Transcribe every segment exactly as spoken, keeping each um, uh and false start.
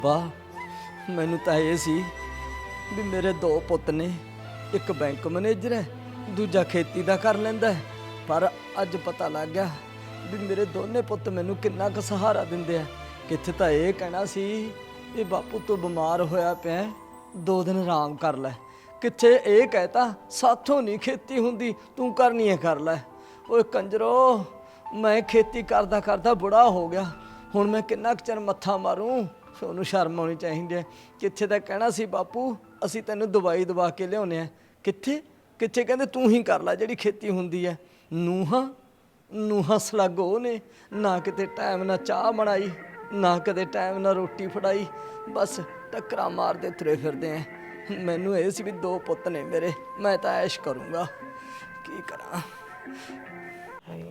वाह मैनू तो ये सी भी मेरे दो पुत ने, एक बैंक मैनेजर है, दूजा खेती दा कर लैंदा है, पर अज पता लग गया भी मेरे दोने पुत मैनू किन्ना क सहारा दिंदे आ। कित्थे तां ये कहना सी भी बापू तू बीमार होया पिया, दो दिन आराम कर लै, कित्थे ये कहता साथों नहीं खेती हुंदी, तू करनी है कर लै। ओए कंजरो, मैं खेती करदा करदा बुढ़ा हो गया, हुण मैं किन्ना क चिर मत्था मारूं। ਉਹਨੂੰ ਸ਼ਰਮ ਆਉਣੀ ਚਾਹੀਦੀ ਹੈ। ਕਿੱਥੇ ਤਾਂ ਕਹਿਣਾ ਸੀ ਬਾਪੂ ਅਸੀਂ ਤੈਨੂੰ ਦਵਾਈ ਦਵਾ ਕੇ ਲਿਆਉਨੇ ਆ, ਕਿੱਥੇ ਕਿੱਥੇ ਕਹਿੰਦੇ ਤੂੰ ਹੀ ਕਰ ਲੈ ਜਿਹੜੀ ਖੇਤੀ ਹੁੰਦੀ ਹੈ। ਨੂਹਾਂ ਨੂਹਾਂ ਸਲਾਗੋ ਨੇ ਨਾ ਕਿਤੇ ਟਾਈਮ ਨਾਲ ਚਾਹ ਬਣਾਈ, ਨਾ ਕਦੇ ਟਾਈਮ ਨਾਲ ਰੋਟੀ ਫੜਾਈ, ਬਸ ਟੱਕਰਾਂ ਮਾਰਦੇ ਤੁਰੇ ਫਿਰਦੇ ਆ। ਮੈਨੂੰ ਇਹ ਸੀ ਵੀ ਦੋ ਪੁੱਤ ਨੇ ਮੇਰੇ, ਮੈਂ ਤਾਂ ਐਸ਼ ਕਰੂੰਗਾ, ਕੀ ਕਰਾਂ। ਹਾਏ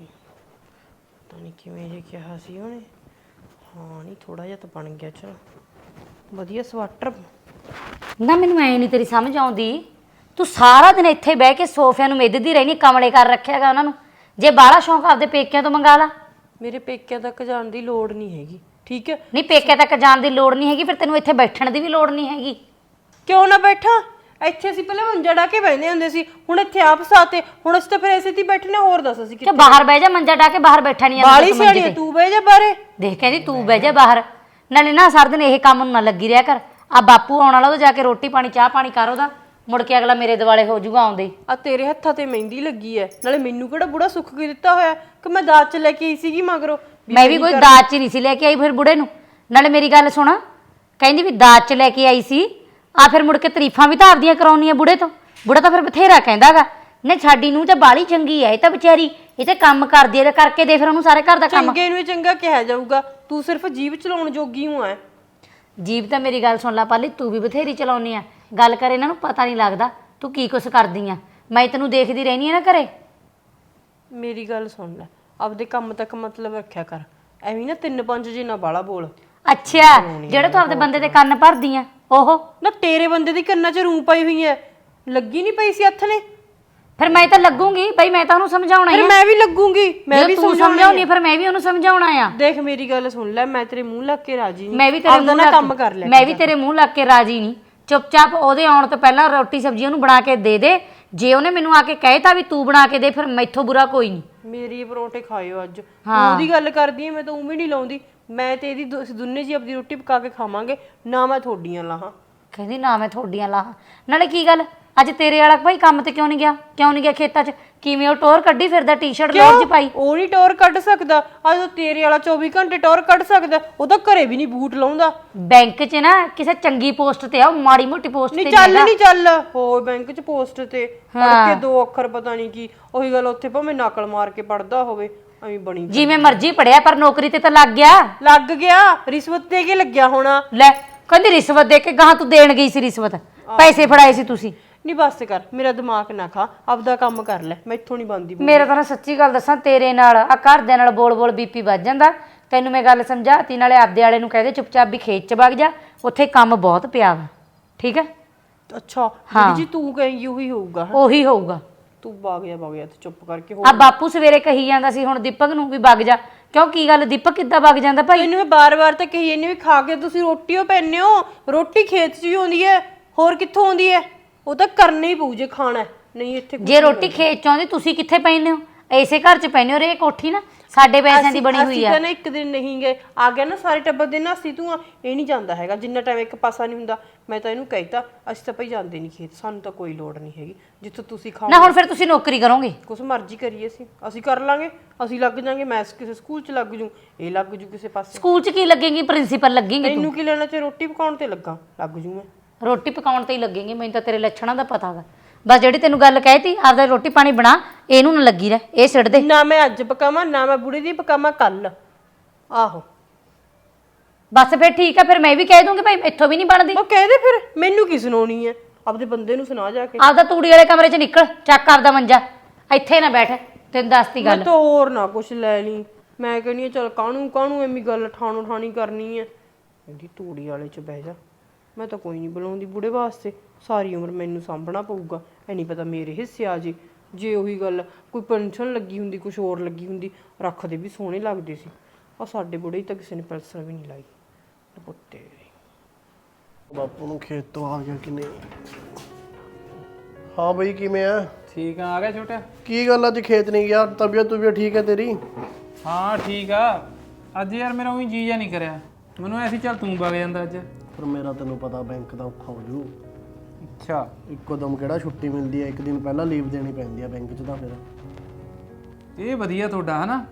ਪਤਾ ਨਹੀਂ ਕਿਵੇਂ ਜੇ ਕਿਹਾ ਸੀ ਉਹਨੇ। हाँ नहीं थोड़ा जिहा तो बन गया, चलो वधिया स्वेटर ना। मैनू ऐ नहीं तेरी समझ आउंदी, तू सारा दिन इत्थे बह के सोफिया नूं मिधदी रहनी, कमले कर रखिया गा उन्हां नूं। जे बाहला शौक आपदे पेकिਆਂ ਤੋਂ मंगा ला। मेरे पेकिਆਂ तक जाण दी लोड़ नहीं हैगी, ठीक है? नहीं पेकिਆਂ तक जाण दी लोड़ नहीं हैगी, फिर तैनूं इत्थे बैठण दी भी लोड़ नहीं हैगी। क्यों ना बैठा? ਇੱਥੇ ਅਸੀਂ ਪਹਿਲਾਂ ਮੰਜਾ ਡਾ ਕੇ ਬੈਠਦੇ ਹੁੰਦੇ ਸੀ, ਹੁਣ ਇੱਥੇ ਆਪ ਸਾਤੇ, ਹੁਣ ਅਸੀਂ ਤਾਂ ਫਿਰ ਐਸੇ ਤੇ ਬੈਠਨੇ। ਹੋਰ ਦੱਸ ਅਸੀਂ ਕਿ ਬਾਹਰ ਬਹਿ ਜਾ, ਮੰਜਾ ਡਾ ਕੇ ਬਾਹਰ ਬੈਠਾ ਨਹੀਂ ਆਂਦਾ। ਬਾਲੀ ਸਿਆਣੀ ਤੂੰ ਬਹਿ ਜਾ ਬਾਹਰੇ। ਦੇਖ ਕਹਿੰਦੀ ਤੂੰ ਬਹਿ ਜਾ ਬਾਹਰ, ਨਾਲੇ ਨਾ ਸਾਰਾ ਦਿਨ ਇਹ ਕੰਮ ਨੂੰ ਨਾ ਲੱਗੀ ਰਿਹਾ ਕਰ। ਆ ਬਾਪੂ ਆਉਣ ਵਾਲਾ, ਉਹ ਜਾ ਕੇ ਰੋਟੀ ਪਾਣੀ ਚਾਹ ਪਾਣੀ ਕਰ ਉਹਦਾ, ਮੁੜ ਕੇ ਅਗਲਾ ਮੇਰੇ ਦਿਵਾਲੇ ਹੋ ਜਾਊਗਾ ਆਉਂਦੇ। ਆ ਤੇਰੇ ਹੱਥਾਂ ਤੇ ਮਹਿੰਦੀ ਲੱਗੀ ਐ, ਨਾਲੇ ਮੈਨੂੰ ਕਿਹੜਾ ਬੁੜਾ ਸੁੱਖ ਕੇ ਦਿੱਤਾ ਹੋਇਆ ਕਿ ਮੈਂ ਦਾਜ ਚ ਲੈ ਕੇ ਆਈ ਸੀਗੀ ਮਗਰੋਂ। ਮੈਂ ਵੀ ਕੋਈ ਦਾਜ ਚ ਨਹੀਂ ਸੀ ਲੈ ਕੇ ਆਈ ਫਿਰ ਬੁੜੇ ਨੂੰ। ਨਾਲੇ ਮੇਰੀ ਗੱਲ ਸੁਣ, ਕਹਿੰਦੀ ਵੀ ਦਾਜ ਚ ਲੈ ਕੇ ਆਈ ਸੀ, ਆ ਫਿਰ ਮੁੜ ਕੇ ਤਾਰੀਫਾਂ ਵੀ ਤਾਂ ਆਪਦੀਆਂ ਕਰਾਉਣੀਆਂ ਬੁੜੇ ਤੋਂ। ਬੁੜਾ ਤਾਂ ਫਿਰ ਬਥੇਰਾ ਕਹਿੰਦਾ ਗਾ, ਨੇ ਸਾਡੀ ਨੂੰ ਤਾਂ ਬਾਲੀ ਚੰਗੀ ਐ, ਇਹ ਤਾਂ ਵਿਚਾਰੀ ਇਹ ਤੇ ਕੰਮ ਕਰਦੀ ਐ, ਕਰਕੇ ਦੇ ਫਿਰ ਉਹਨੂੰ ਸਾਰੇ ਘਰ ਦਾ ਕੰਮ। ਚੰਗੇ ਨੂੰ ਚੰਗਾ ਕਿਹਾ ਜਾਊਗਾ, ਤੂੰ ਸਿਰਫ ਜੀਭ ਚਲਾਉਣ ਜੋਗੀ ਹੂੰ ਐ। ਜੀਭ ਤਾਂ ਮੇਰੀ ਗੱਲ ਸੁਣ ਲਾ ਪਾਲੀ, ਤੂੰ ਵੀ ਬਥੇਰੀ ਚਲਾਉਣੀ ਆ। ਗੱਲ ਕਰ ਇਹਨਾਂ ਨੂੰ ਪਤਾ ਨਹੀਂ ਲੱਗਦਾ ਤੂੰ ਕੀ ਕੁਛ ਕਰਦੀ ਆ। ਮੈਂ ਤੈਨੂੰ ਦੇਖਦੀ ਰਹਿਣੀ ਆ ਨਾ ਘਰੇ। ਮੇਰੀ ਗੱਲ ਸੁਣ ਲੈ, ਆਪਦੇ ਕੰਮ ਤੱਕ ਮਤਲਬ ਰੱਖਿਆ ਕਰ, ਐਵੇਂ ਨਾ ਤਿੰਨ ਪੰਜ ਜੀ ਨਾ ਬਾਲਾ ਬੋਲ। ਅੱਛਾ ਜਿਹੜੇ ਤੂੰ ਆਪਦੇ ਬੰਦੇ ਦੇ ਕੰਨ ਭਰਦੀ ਆ ਉਹ ਨਾ, ਤੇਰੇ ਬੰਦੇ ਦੀ ਕੰਨਾਂ 'ਚ ਰੂੰ ਪਾਈ ਹੋਈ ਐ, ਲੱਗੀ ਨਹੀਂ ਪਈ ਸੀ ਹੱਥ ਨੇ। ਫਿਰ ਮੈਂ ਤਾਂ ਲੱਗੂਗੀ ਬਈ, ਮੈਂ ਤਾਂ ਉਹਨੂੰ ਸਮਝਾਉਣਾ ਫਿਰ ਮੈਂ ਵੀ ਲੱਗੂਗੀ, ਮੈਂ ਵੀ ਸਮਝਾਉਣੀ, ਫਿਰ ਮੈਂ ਵੀ ਉਹਨੂੰ ਸਮਝਾਉਣਾ ਆ। ਦੇਖ ਮੇਰੀ ਗੱਲ ਸੁਣ ਲੈ, ਮੈਂ ਤੇਰੇ ਮੂੰਹ ਲੱਗ ਕੇ ਰਾਜੀ ਨਹੀਂ, ਮੈਂ ਵੀ ਤੇਰੇ ਮੂੰਹ ਲੱਗ ਕੰਮ ਕਰ ਲੈ, ਮੈਂ ਵੀ ਤੇਰੇ ਮੂੰਹ ਲੱਗ ਕੇ ਰਾਜੀ ਨਹੀਂ। ਚੁੱਪਚਾਪ ਉਹਦੇ ਆਉਣ ਤੋਂ ਪਹਿਲਾਂ ਰੋਟੀ ਸਬਜ਼ੀ ਉਹਨੂੰ ਬਣਾ ਕੇ ਦੇ ਦੇ। ਜੇ ਉਹਨੇ ਮੈਨੂੰ ਆ ਕੇ ਕਹਿਤਾ ਵੀ ਤੂੰ ਬਣਾ ਕੇ ਦੇ, ਫਿਰ ਮੈਥੋਂ ਬੁਰਾ ਕੋਈ ਨਹੀਂ। ਮੇਰੀ ਪਰੌਂਠੇ ਖਾਇਓ ਅੱਜ। ਉਹਦੀ ਗੱਲ ਕਰਦੀ ਐ, ਮੈਂ ਤਾਂ ਉਵੇਂ ਨਹੀਂ ਲਾਉਂਦੀ। ਮੈਂ ਤੇ ਇਹਦੀ ਦੋਨੇ ਜੀ ਆਪਦੀ ਰੋਟੀ ਪਕਾ ਕੇ ਖਾਵਾਂਗੇ, ਨਾ ਮੈਂ ਥੋਡੀਆਂ ਲਾਹਾਂ। ਕਹਿੰਦੀ ਨਾ ਮੈਂ ਥੋਡੀਆਂ ਲਾਹਾਂ। ਨਾਲੇ ਕੀ ਗੱਲ ਅੱਜ ਤੇਰੇ ਵਾਲਾ ਭਾਈ ਕੰਮ ਤੇ ਕਿਉਂ ਨਹੀਂ ਗਿਆ? ਕਿਉਂ ਨਹੀਂ ਗਿਆ ਖੇਤਾਂ 'ਚ? ਕਿਵੇਂ ਉਹ ਟੋਰ ਕੱਢੀ ਫਿਰਦਾ, ਟੀ-ਸ਼ਰਟ ਲੋਰ 'ਚ ਪਾਈ? ਉਹ ਨਹੀਂ ਟੋਰ ਕੱਢ ਸਕਦਾ, ਅੱਜ ਤੇਰੇ ਵਾਲਾ ਚੌਵੀ ਘੰਟੇ ਟੋਰ ਕੱਢ ਸਕਦਾ। ਉਹ ਤਾਂ ਘਰੇ ਵੀ ਨਹੀਂ ਬੂਟ ਲਾਉਂਦਾ। ਬੈਂਕ 'ਚ ਨਾ ਕਿਸੇ ਚੰਗੀ ਪੋਸਟ ਤੇ ਆ, ਉਹ ਮਾੜੀ ਮੋਟੀ ਪੋਸਟ ਤੇ ਨਹੀਂ ਚੱਲ ਨਹੀਂ ਚੱਲ ਹੋ ਬੈਂਕ 'ਚ ਪੋਸਟ ਤੇ ਪੜ ਕੇ ਦੋ ਅੱਖਰ ਪਤਾ ਨਹੀਂ ਕੀ, ਉਹੀ ਗੱਲ ਉੱਥੇ ਭਾਵੇਂ ਨਕਲ ਮਾਰ ਕੇ ਪੜਦਾ ਹੋਵੇ, ਐਵੇਂ ਬਣੀ ਜਿਵੇਂ ਮਰਜ਼ੀ ਪੜਿਆ ਪਰ ਨੌਕਰੀ ਤੇ ਤਾਂ ਲੱਗ ਗਿਆ। ਲੱਗ ਗਿਆ, ਰਿਸ਼ਵਤ ਦੇ ਕੇ ਲੱਗਿਆ ਹੋਣਾ। ਲੈ ਕਹਿੰਦੀ ਰਿਸ਼ਵਤ ਦੇ ਕੇ, ਗਾਹਾਂ ਤੂੰ ਦੇਣ ਗਈ ਸੀ ਰਿਸ਼ਵਤ, ਪੈਸੇ ਫੜਾਏ ਸੀ ਤੁਸੀਂ। ਨਹੀਂ ਬਸ ਕਰ, ਮੇਰਾ ਦਿਮਾਗ ਨਾ ਖਾ, ਆਪਦਾ ਕੰਮ ਕਰ ਲੈ, ਮੈਥੋਂ ਨਹੀਂ ਬਣਦੀ। ਮੇਰਾ ਤਾਂ ਨਾ ਸੱਚੀ ਗੱਲ ਦੱਸਾਂ, ਤੇਰੇ ਨਾਲ ਆ ਘਰਦਿਆਂ ਨਾਲ ਬੋਲ ਬੋਲ ਬੀਪੀ ਵੱਜ ਜਾਂਦਾ। ਤੈਨੂੰ ਮੈਂ ਗੱਲ ਸਮਝਾਤੀ, ਨਾਲੇ ਆਪਦੇ ਵਾਲੇ ਨੂੰ ਕਹਦੇ ਚੁੱਪਚਾਪ ਵੀ ਖੇਤ 'ਚ ਵਗ ਜਾ, ਉੱਥੇ ਕੰਮ ਬਹੁਤ ਪਿਆ ਵਾ, ਠੀਕ ਹੈ? ਅੱਛਾ ਜਿਹੜੀ ਜੀ ਤੂੰ ਕਹੇਂਗੀ ਉਹੀ ਹੋਊਗਾ। ਉਹੀ ਹੋਊਗਾ। ਤੂੰ ਵਗ ਜਾ ਵਗ ਜਾ ਤੇ ਚੁੱਪ ਕਰਕੇ ਹੋ। ਆ ਬਾਪੂ ਸਵੇਰੇ ਕਹੀ ਜਾਂਦਾ ਸੀ ਹੁਣ ਦੀਪਕ ਨੂੰ ਵੀ ਵਗ ਜਾ, ਕਿਉਂ ਕੀ ਗੱਲ ਦੀਪਕ ਕਿੱਦਾਂ ਵਗ ਜਾਂਦਾ ਭਾਈ? ਇਹਨੂੰ ਮੈਂ ਬਾਰ-ਬਾਰ ਤਾਂ ਕਹੀ ਜਾਂਦੀ ਵੀ ਖਾ ਕੇ ਤੁਸੀਂ ਰੋਟੀ ਓ ਪੈਨੇ ਹੋ, ਰੋਟੀ ਖੇਤ 'ਚ ਹੀ ਆਉਂਦੀ ਹੈ, ਹੋਰ ਕਿੱਥੋਂ ਆਉਂਦੀ ਹੈ? ਉਹ ਤਾਂ ਕਰਨਾ ਹੀ ਪਊ ਜੇ ਖਾਣਾ, ਨਹੀਂ ਇੱਥੇ ਜੇ ਰੋਟੀ ਖੇਤ 'ਚ ਆਉਂਦੀ ਤੁਸੀਂ ਕਿੱਥੇ ਪੈਂਦੇ ਹੋ? ਐਸੇ ਘਰ 'ਚ ਪੈਂਦੇ ਹੋ। ਰੇ ਕੋਠੀ ਨਾ ਸਾਡੇ ਪੈਸਿਆਂ ਦੀ ਬਣੀ ਹੋਈ ਆ। ਅਸੀਂ ਤਾਂ ਨਾ ਇੱਕ ਦਿਨ ਨਹੀਂ ਗਏ, ਆ ਗਿਆ ਨਾ ਸਾਰੇ ਟੱਬਰ ਦੇ ਨਾ, ਅਸੀਂ ਤੂੰ ਇਹ ਨਹੀਂ ਜਾਂਦਾ ਹੈਗਾ ਜਿੰਨਾ ਟਾਈਮ ਇੱਕ ਪਾਸਾ ਨਹੀਂ ਹੁੰਦਾ। ਮੈਂ ਤਾਂ ਇਹਨੂੰ ਕਹਿਤਾ ਅਸੀਂ ਤਾਂ ਭਈ ਜਾਂਦੇ ਨਹੀਂ ਖੇਤ, ਸਾਨੂੰ ਤਾਂ ਕੋਈ ਲੋੜ ਨਹੀਂ ਹੈਗੀ, ਜਿੱਥੋਂ ਤੁਸੀਂ ਖਾਓ ਨਾ। ਹੁਣ ਫਿਰ ਤੁਸੀਂ ਨੌਕਰੀ ਕਰੋਗੇ? ਕੁਛ ਮਰਜ਼ੀ ਕਰੀਏ ਅਸੀਂ ਅਸੀਂ ਕਰ ਲਾਂਗੇ, ਅਸੀਂ ਲੱਗ ਜਾਾਂਗੇ। ਮੈਂ ਕਿਸੇ ਸਕੂਲ 'ਚ ਲੱਗ ਜੂ, ਇਹ ਲੱਗ ਜੂ ਕਿਸੇ ਪਾਸੇ। ਸਕੂਲ 'ਚ ਕੀ ਲੱਗੇਗੀ? ਪ੍ਰਿੰਸੀਪਲ ਲੱਗੇਗੀ ਤੂੰ। ਤੈਨੂੰ ਕੀ ਲੈਣਾ, ਚ ਰੋਟੀ ਪਕਾਉਣ ਤੇ ਲੱਗਾ ਲੱਗ ਜੂ ਮੈਂ। ਰੋਟੀ ਪਕਾਉਣ ਤੇ ਹੀ ਲੱਗੇਗੀ, ਮੈਨੂੰ ਤਾਂ ਤੇਰੇ ਲੱਛਣਾਂ ਦਾ ਪਤਾ ਗਾ। ਬਸ ਜਿਹੜੀ ਤੈਨੂੰ ਗੱਲ ਕਹਿਤੀ ਆਪਦਾ ਰੋਟੀ ਪਾਣੀ ਬਣਾ, ਇਹਨੂੰ ਨਾ ਲੱਗੀ ਰਹਿ, ਇਹ ਸਿੱਟ ਦੇ। ਨਾ ਮੈਂ ਅੱਜ ਪਕਾਵਾਂ, ਨਾ ਮੈਂ ਬੁੜੀ ਦੀ ਪਕਾਵਾਂ ਕੱਲ। ਆਹੋ ਬਸ ਫਿਰ ਠੀਕ ਆ, ਫਿਰ ਮੈਂ ਵੀ ਕਹਿ ਦੂੰਗੀ ਭਾਈ ਇੱਥੋਂ ਵੀ ਨਹੀਂ ਬਣਦੀ। ਉਹ ਕਹਿ ਦੇ ਫਿਰ, ਮੈਨੂੰ ਕੀ ਸੁਣਾਉਣੀ ਹੈ? ਆਪਦੇ ਬੰਦੇ ਨੂੰ ਸੁਣਾ ਜਾ ਕੇ। ਆਪਦਾ ਤੂੜੀ ਵਾਲੇ ਕਮਰੇ 'ਚ ਨਿਕਲ, ਚੱਕ ਆਪਦਾ ਮੰਜਾ, ਇੱਥੇ ਨਾ ਬੈਠ, ਤੈਨੂੰ ਦੱਸਤੀ ਗੱਲ। ਮੈਂ ਤਾਂ ਹੋਰ ਨਾ ਕੁਛ ਲੈ ਲਈ, ਮੈਂ ਕਹਿੰਦੀ ਚਲ ਕਾਹਨੂੰ ਕਾਹਨੂੰ ਐਵੇਂ ਗੱਲ ਠਾਣੋ ਠਾਣੀ ਕਰਨੀ ਹੈ। ਕਹਿੰਦੀ ਤੂੜੀ ਵਾਲੇ 'ਚ ਬਹਿ ਜਾ, ਮੈਂ ਤਾਂ ਕੋਈ ਨਹੀਂ ਬੁਲਾਉਂਦੀ ਬੁੜੇ ਵਾਸਤੇ, ਸਾਰੀ ਉਮਰ ਮੈਨੂੰ ਸਾਂਭਣਾ ਪਊਗਾ। ਐ ਨਹੀਂ ਪਤਾ ਮੇਰੇ ਹਿੱਸੇ ਆ ਜੇ। ਜੇ ਉਹੀ ਗੱਲ ਕੋਈ ਪੈਨਸ਼ਨ ਲੱਗੀ ਹੁੰਦੀ, ਕੁਛ ਹੋਰ ਲੱਗੀ ਹੁੰਦੀ, ਰੱਖਦੇ ਵੀ ਸੋਹਣੇ ਲੱਗਦੇ ਸੀ। ਆ ਸਾਡੇ ਬੁੜੇ ਤਾਂ ਕਿਸੇ ਨੇ ਪੈਨਸ਼ਨ ਵੀ ਨਹੀਂ ਲਾਈ ਪੁੱਤੇ। ਬਾਪੂ ਨੂੰ ਖੇਤ ਤੋਂ ਆ ਗਿਆ ਕਿ ਨਹੀਂ? ਹਾਂ ਬਈ ਕਿਵੇਂ ਆ? ਠੀਕ ਆ ਆ ਗਿਆ ਛੋਟਾ। ਕੀ ਗੱਲ ਅੱਜ ਖੇਤ ਨਹੀਂ ਗਿਆ? ਤਬੀਅਤ ਤੁਬੀਅਤ ਠੀਕ ਹੈ ਤੇਰੀ? ਹਾਂ ਠੀਕ ਆ। ਅੱਜ ਯਾਰ ਮੇਰਾ ਉਹੀ ਜੀ ਜਾ ਨਹੀਂ ਕਰਿਆ, ਮੈਨੂੰ ਐਸੀ ਚੱਲ ਤੂੰ ਵਗ ਜਾਂਦਾ ਅੱਜ। ਪਰ ਮੇਰਾ ਤੈਨੂੰ ਪਤਾ ਬੈਂਕ ਦਾ ਔਖਾ ਹੋ ਜੂ। ਅੱਛਾ ਇੱਕੋ ਦਮ ਕਿਹੜਾ ਛੁੱਟੀ ਮਿਲਦੀ ਹੈ, ਇੱਕ ਦਿਨ ਪਹਿਲਾਂ ਲੀਵ ਦੇਣੀ ਪੈਂਦੀ ਹੈ ਬੈਂਕ 'ਚ। ਤਾਂ ਫਿਰ ਇਹ ਵਧੀਆ ਤੁਹਾਡਾ ਹਨਾ।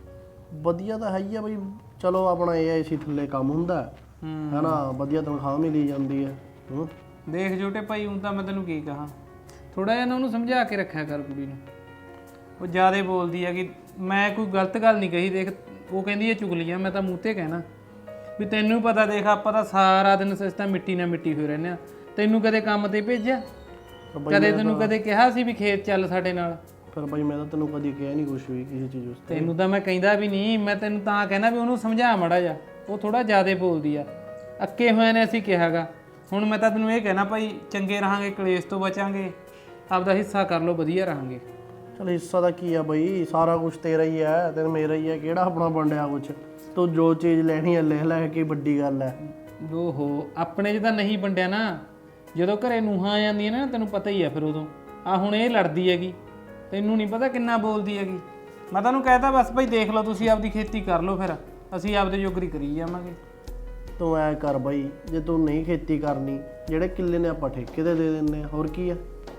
ਵਧੀਆ ਤਾਂ ਹੈ ਹੀ ਆ ਬਈ। ਚਲੋ ਆਪਣਾ ਇਹ ਏ ਸੀ ਥੱਲੇ ਕੰਮ ਹੁੰਦਾ ਹੈ ਨਾ, ਵਧੀਆ ਤਨਖਾਹ ਮਿਲੀ ਜਾਂਦੀ ਹੈ। ਹੂੰ ਦੇਖ ਛੋਟੇ ਭਾਈ, ਹੁਣ ਤਾਂ ਮੈਂ ਤੈਨੂੰ ਕੀ ਕਹਾਂ, ਥੋੜਾ ਜਿਹਾ ਨਾ ਉਹਨੂੰ ਸਮਝਾ ਕੇ ਰੱਖਿਆ ਕਰ ਕੁੜੀ ਨੂੰ। ਉਹ ਜ਼ਿਆਦਾ ਬੋਲਦੀ ਹੈ ਕਿ ਮੈਂ ਕੋਈ ਗਲਤ ਗੱਲ ਨਹੀਂ ਕਹੀ। ਦੇਖ ਉਹ ਕਹਿੰਦੀ ਹੈ ਚੁਗਲੀਆਂ, ਮੈਂ ਤਾਂ ਮੂੰਹ ਤੇ ਕਹਿਣਾ ਵੀ ਤੈਨੂੰ ਪਤਾ। ਦੇਖ ਆਪਾਂ ਤਾਂ ਸਾਰਾ ਦਿਨ ਸਿਸਟਾ ਮਿੱਟੀ ਨਾਲ ਮਿੱਟੀ ਹੋਏ ਰਹਿੰਦੇ ਆ। ਤੈਨੂੰ ਕਦੇ ਕੰਮ ਤੇ ਭੇਜਿਆ? ਕਦੇ ਤੈਨੂੰ ਕਦੇ ਕਿਹਾ ਸੀ ਵੀ ਖੇਤ ਚੱਲ ਸਾਡੇ ਨਾਲ? ਫਿਰ ਬਈ ਮੈਂ ਤਾਂ ਤੈਨੂੰ ਕਦੀ ਕਿਹਾ ਨਹੀਂ ਕੁਛ ਵੀ ਕਿਸੇ ਚੀਜ਼ ਉਸਤੇ। ਤੈਨੂੰ ਤਾਂ ਮੈਂ ਕਹਿੰਦਾ ਵੀ ਨਹੀਂ, ਮੈਂ ਤੈਨੂੰ ਤਾਂ ਕਹਿੰਦਾ ਵੀ ਉਹਨੂੰ ਸਮਝਾ ਮੜਾ ਜਾ। ਉਹ ਥੋੜਾ ਜ਼ਿਆਦਾ ਬੋਲਦੀ ਆ, ਅੱਕੇ ਹੋਏ ਨੇ ਅਸੀਂ ਕਿਹਾਗਾ। ਹੁਣ ਮੈਂ ਤਾਂ ਤੈਨੂੰ ਇਹ ਕਹਿਣਾ ਭਾਈ, ਚੰਗੇ ਰਹਾਂਗੇ, ਕਲੇਸ਼ ਤੋਂ ਬਚਾਂਗੇ, ਆਪਦਾ ਹਿੱਸਾ ਕਰ ਲਓ, ਵਧੀਆ ਰਹਾਂਗੇ। ਚਲ ਹਿੱਸਾ ਦਾ ਕੀ ਆ ਬਈ, ਸਾਰਾ ਕੁਝ ਤੇਰਾ ਹੀ ਹੈ ਤੇ ਮੇਰਾ ਹੀ ਹੈ। ਕਿਹੜਾ ਆਪਣਾ ਵੰਡਿਆ ਕੁਛ? ਤੂੰ ਜੋ ਚੀਜ਼ ਲੈਣੀ ਹੈ ਲੈ ਲੈ, ਕੀ ਵੱਡੀ ਗੱਲ ਹੈ। ਓਹੋ ਆਪਣੇ 'ਚ ਤਾਂ ਨਹੀਂ ਵੰਡਿਆ ਨਾ। ਜਦੋਂ ਘਰੇ ਨੂੰਹਾਂ ਆ ਜਾਂਦੀਆਂ ਨੇ ਨਾ, ਤੈਨੂੰ ਪਤਾ ਹੀ ਆ ਫਿਰ ਉਦੋਂ। ਆ ਹੁਣ ਇਹ ਲੜਦੀ ਹੈਗੀ, ਤੈਨੂੰ ਨਹੀਂ ਪਤਾ ਕਿੰਨਾ ਬੋਲਦੀ ਹੈਗੀ। ਮੈਂ ਤੁਹਾਨੂੰ ਕਹਿਤਾ ਬਸ ਭਾਈ ਦੇਖ ਲਓ, ਤੁਸੀਂ ਆਪਦੀ ਖੇਤੀ ਕਰ ਲਓ, ਫਿਰ ਅਸੀਂ ਆਪਦੇ ਜੋਗਰੀ ਕਰੀ ਜਾਵਾਂਗੇ। ਤੂੰ ਐ ਕਰ ਬਈ, ਜੇ ਤੂੰ ਨਹੀਂ ਖੇਤੀ ਕਰਨੀ, ਜਿਹੜੇ ਕਿੱਲੇ ਨੇ ਆਪਾਂ ਠੇਕੇ ਤੇ ਦੇ ਦਿੰਦੇ ਆ, ਹੋਰ ਕੀ ਆ।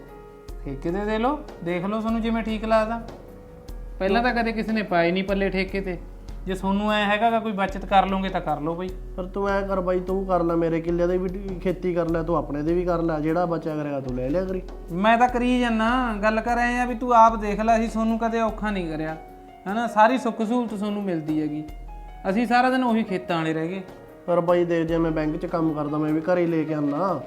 ਠੇਕੇ ਤੇ ਦੇ ਲਓ, ਦੇਖ ਲਓ ਤੁਹਾਨੂੰ ਜਿਵੇਂ ਠੀਕ ਲੱਗਦਾ। ਪਹਿਲਾਂ ਤਾਂ ਕਦੇ ਕਿਸੇ ਨੇ ਪਾਏ ਨਹੀਂ ਪੱਲੇ ਠੇਕੇ ਤੇ। ਜੇ ਤੁਹਾਨੂੰ ਐ ਹੈਗਾ ਗਾ ਕੋਈ ਬਚਤ ਕਰ ਲਓਗੇ ਤਾਂ ਕਰ ਲਓ ਬਈ। ਪਰ ਤੂੰ ਐ ਕਰ ਬਾਈ, ਤੂੰ ਕਰ ਲੈ ਮੇਰੇ ਕਿੱਲੇ ਦੇ ਵੀ ਖੇਤੀ ਕਰ ਲੈ, ਤੂੰ ਆਪਣੇ ਦੇ ਵੀ ਕਰ ਲੈ, ਜਿਹੜਾ ਬਚਿਆ ਕਰੇਗਾ ਤੂੰ ਲੈ ਲਿਆ ਕਰੀ। ਮੈਂ ਤਾਂ ਕਰੀ ਜਾਨਾ, ਗੱਲ ਕਰ ਆਏ ਆ ਵੀ ਤੂੰ ਆਪ ਦੇਖ ਲੈ। ਅਸੀਂ ਤੁਹਾਨੂੰ ਕਦੇ ਔਖਾ ਨਹੀਂ ਕਰਿਆ ਹਨਾ, ਸਾਰੀ ਸੁੱਖ ਸਹੂਲਤ ਤੁਹਾਨੂੰ ਮਿਲਦੀ ਹੈਗੀ। ਅਸੀਂ ਸਾਰਾ ਦਿਨ ਉਹੀ ਖੇਤਾਂ ਵਾਲੇ ਰਹਿ ਗਏ। ਪਰ ਬਾਈ ਦੇਖ, ਜੇ ਮੈਂ ਬੈਂਕ 'ਚ ਕੰਮ ਕਰਦਾ, ਮੈਂ ਵੀ ਘਰੇ ਲੈ ਕੇ ਆਉਣਾ।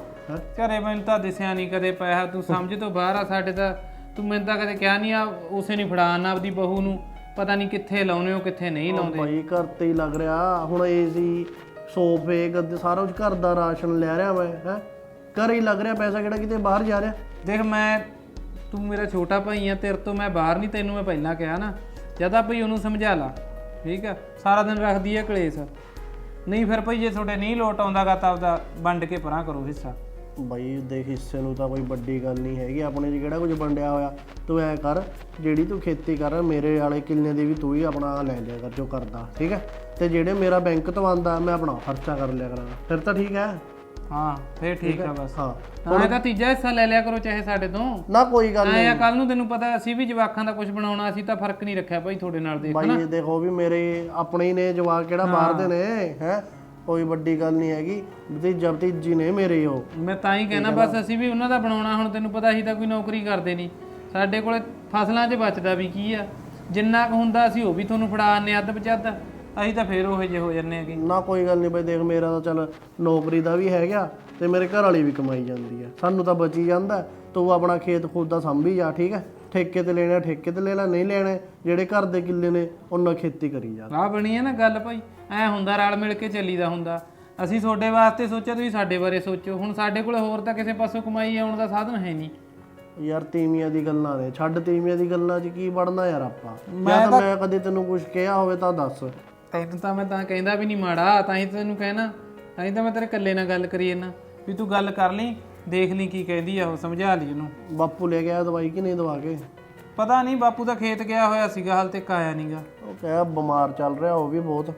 ਘਰੇ ਮੈਨੂੰ ਤਾਂ ਦਿਸਿਆ ਨਹੀਂ ਕਦੇ ਪੈਸਾ, ਤੂੰ ਸਮਝ ਤੋਂ ਬਾਹਰ ਆ ਸਾਡੇ ਤਾਂ। ਤੂੰ ਮੈਨੂੰ ਤਾਂ ਕਦੇ ਕਿਹਾ ਨਹੀਂ ਆ ਉਸੇ ਨਹੀਂ ਫੜਾਣਾ ਆਪਦੀ ਬਹੂ ਨੂੰ, ਪਤਾ ਨਹੀਂ ਕਿੱਥੇ ਲਾਉਨੇ ਹੋ ਕਿੱਥੇ ਨਹੀਂ ਲਾਉਂਦੇ। ਬਾਈ ਘਰ ਤੇ ਹੀ ਲੱਗ ਰਿਹਾ ਹੁਣ। ਏਸੀ ਸੋਫੇ ਗੱਦੇ ਸਾਰਾ ਕੁਝ ਘਰ ਦਾ ਰਾਸ਼ਨ ਲੈ ਰਿਹਾ ਮੈਂ, ਹੈ ਘਰ ਹੀ ਲੱਗ ਰਿਹਾ ਪੈਸਾ, ਕਿਹੜਾ ਕਿਤੇ ਬਾਹਰ ਜਾ ਰਿਹਾ। ਦੇਖ ਮੈਂ, ਤੂੰ ਮੇਰਾ ਛੋਟਾ ਭਾਈ ਆ, ਤੇਰੇ ਤੋਂ ਮੈਂ ਬਾਹਰ ਨਹੀਂ, ਤੈਨੂੰ ਮੈਂ ਪਹਿਲਾਂ ਕਿਹਾ ਨਾ। ਜਦਾ ਭਈ ਉਹਨੂੰ ਸਮਝਾ ਲਾ, ਠੀਕ ਆ। ਸਾਰਾ ਦਿਨ ਰੱਖਦੀ ਆ ਕਲੇਸ਼। ਨਹੀਂ ਫਿਰ ਭਈ ਜੇ ਤੁਹਾਡੇ ਨਹੀਂ ਲੋਟ ਆਉਂਦਾਗਾ ਤਾਂ ਆਪਦਾ ਵੰਡ ਕੇ ਪਰਾਂ ਕਰੋ ਹਿੱਸਾ। ਬਾਈ ਦੇਖ, ਹਿੱਸੇ ਨੂੰ ਤਾਂ ਕੋਈ ਵੱਡੀ ਗੱਲ ਨਹੀਂ ਹੈਗੀ, ਆਪਣੇ 'ਚ ਕਿਹੜਾ ਕੁਝ ਵੰਡਿਆ ਹੋਇਆ। ਤੂੰ ਐ ਕਰ, ਜਿਹੜੀ ਤੂੰ ਖੇਤੀ ਕਰ, ਮੇਰੇ ਵਾਲੇ ਕਿੱਲੇ ਦੀ ਵੀ ਤੂੰ ਹੀ ਆਪਣਾ ਲੈ ਲਿਆ ਕਰ ਜੋ ਕਰਦਾ, ਠੀਕ ਹੈ। ਤੇ ਜਿਹੜੇ ਮੇਰਾ ਬੈਂਕ ਤੋਂ ਆਉਂਦਾ ਮੈਂ ਆਪਣਾ ਖਰਚਾ ਕਰ ਲਿਆ ਕਰਾਂਗਾ, ਫਿਰ ਤਾਂ ਠੀਕ ਹੈ। ਹਾਂ ਫਿਰ ਠੀਕ ਆ ਬਸ। ਹਾਂ ਹੁਣ ਇਹਦਾ ਤੀਜਾ ਹਿੱਸਾ ਲੈ ਲਿਆ ਕਰੋ ਚਾਹੇ ਸਾਡੇ ਤੋਂ। ਨਾ ਕੋਈ ਗੱਲ ਨਹੀਂ। ਆਇਆ ਕੱਲ ਨੂੰ ਤੈਨੂੰ ਪਤਾ ਅਸੀਂ ਵੀ ਜਵਾਕਾਂ ਦਾ ਕੁਝ ਬਣਾਉਣਾ, ਅਸੀਂ ਤਾਂ ਫਰਕ ਨਹੀਂ ਰੱਖਿਆ ਭਾਈ ਤੁਹਾਡੇ ਨਾਲ। ਦੇਖ ਬਾਈ ਦੇਖੋ ਵੀ ਮੇਰੇ ਆਪਣੇ ਹੀ ਨੇ ਜਵਾਕ, ਕਿਹੜਾ ਬਾਹਰ ਦੇ ਨੇ, ਹੈ ਕੋਈ ਵੱਡੀ ਗੱਲ ਨਹੀਂ ਹੈਗੀ। ਭਤੀਜਾ ਭਤੀਜੀ ਨੇ ਮੇਰੇ ਉਹ। ਮੈਂ ਤਾਂ ਹੀ ਕਹਿਣਾ ਬਸ, ਅਸੀਂ ਵੀ ਉਹਨਾਂ ਦਾ ਬਣਾਉਣਾ। ਹੁਣ ਤੈਨੂੰ ਪਤਾ ਅਸੀਂ ਤਾਂ ਕੋਈ ਨੌਕਰੀ ਕਰਦੇ ਨਹੀਂ, ਸਾਡੇ ਕੋਲੇ ਫਸਲਾਂ 'ਚ ਬਚਦਾ ਵੀ ਕੀ ਆ। ਜਿੰਨਾ ਕੁ ਹੁੰਦਾ ਅਸੀਂ ਉਹ ਵੀ ਤੁਹਾਨੂੰ ਫੜਾ ਆਨੇ ਅੱਧ ਪਚੱਧ, ਅਸੀਂ ਤਾਂ ਫੇਰ ਉਹੋ ਜਿਹੇ ਹੋ ਜੰਨੇ ਹੈਗੇ। ਨਾ ਕੋਈ ਗੱਲ ਨਹੀਂ ਬਾਈ, ਦੇਖ ਮੇਰਾ ਤਾਂ ਚੱਲ ਨੌਕਰੀ ਦਾ ਵੀ ਹੈਗਾ ਤੇ ਮੇਰੇ ਘਰ ਵਾਲੀ ਵੀ ਕਮਾਈ ਜਾਂਦੀ ਹੈ, ਸਾਨੂੰ ਤਾਂ ਬਚੀ ਜਾਂਦਾ। ਤੂੰ ਆਪਣਾ ਖੇਤ ਖੁਦ ਦਾ ਸੰਭੀ ਜਾ, ਠੀਕ ਹੈ। ਠੇਕੇ ਤੇ ਲੈਣਾ ਠੇਕੇ ਤੇ ਲੈ ਲੈ, ਨਹੀਂ ਲੈਣੇ ਜਿਹੜੇ ਘਰ ਦੇ ਕਿੱਲੇ ਨੇ ਉਹਨਾਂ ਖੇਤੀ ਕਰੀ ਜਾ। ਆਹ ਬਣੀ ਹੈ ਨਾ ਗੱਲ ਭਾਈ, ਐ ਹੁੰਦਾ ਰਲ ਮਿਲ ਕੇ ਚੱਲੀਦਾ ਹੁੰਦਾ। ਅਸੀਂ ਤੁਹਾਡੇ ਵਾਸਤੇ ਸੋਚਿਆ, ਤੁਸੀਂ ਸਾਡੇ ਬਾਰੇ ਸੋਚੋ। ਹੁਣ ਸਾਡੇ ਕੋਲ ਹੋਰ ਤਾਂ ਕਿਸੇ ਪਾਸੋਂ ਕਮਾਈ ਆਉਣ ਦਾ ਸਾਧਨ ਹੈ ਨਹੀਂ। ਯਾਰ ਤੀਵੀਆਂ ਦੀ ਗੱਲਾਂ ਨੇ ਛੱਡ, ਤੀਵੀਆਂ ਦੀ ਗੱਲਾਂ 'ਚ ਕੀ ਵੜਨਾ ਯਾਰ ਆਪਾਂ। ਮੈਂ ਤਾਂ ਮੈਂ ਕਦੇ ਤੈਨੂੰ ਕੁਝ ਕਿਹਾ ਹੋਵੇ ਤਾਂ ਦੱਸ। ਤੈਨੂੰ ਤਾਂ ਮੈਂ ਤਾਂ ਕਹਿੰਦਾ ਵੀ ਨਹੀਂ ਮਾੜਾ, ਤਾਂ ਹੀ ਤੈਨੂੰ ਕਹਿਣਾ, ਤਾਂ ਹੀ ਤਾਂ ਮੈਂ ਤੇਰੇ ਇਕੱਲੇ ਨਾਲ ਗੱਲ ਕਰੀ ਜਾਂਦਾ ਵੀ ਤੂੰ ਗੱਲ ਕਰ ਲਈ, ਦੇਖ ਲਈ ਕੀ ਕਹਿੰਦੀ ਆ ਉਹ, ਸਮਝਾ ਲਈ ਉਹਨੂੰ। ਬਾਪੂ ਲੈ ਗਿਆ ਦਵਾਈ ਕਿ ਨਹੀਂ ਦਵਾ ਕੇ? ਪਤਾ ਨਹੀਂ, ਬਾਪੂ ਤਾਂ ਖੇਤ ਗਿਆ ਹੋਇਆ ਸੀਗਾ, ਹਾਲ ਤੱਕ ਆਇਆ ਨਹੀਂਗਾ। ਉਹ ਕਹਿਆ ਬਿਮਾਰ ਚੱਲ ਰਿਹਾ ਉਹ ਵੀ ਬਹੁਤ।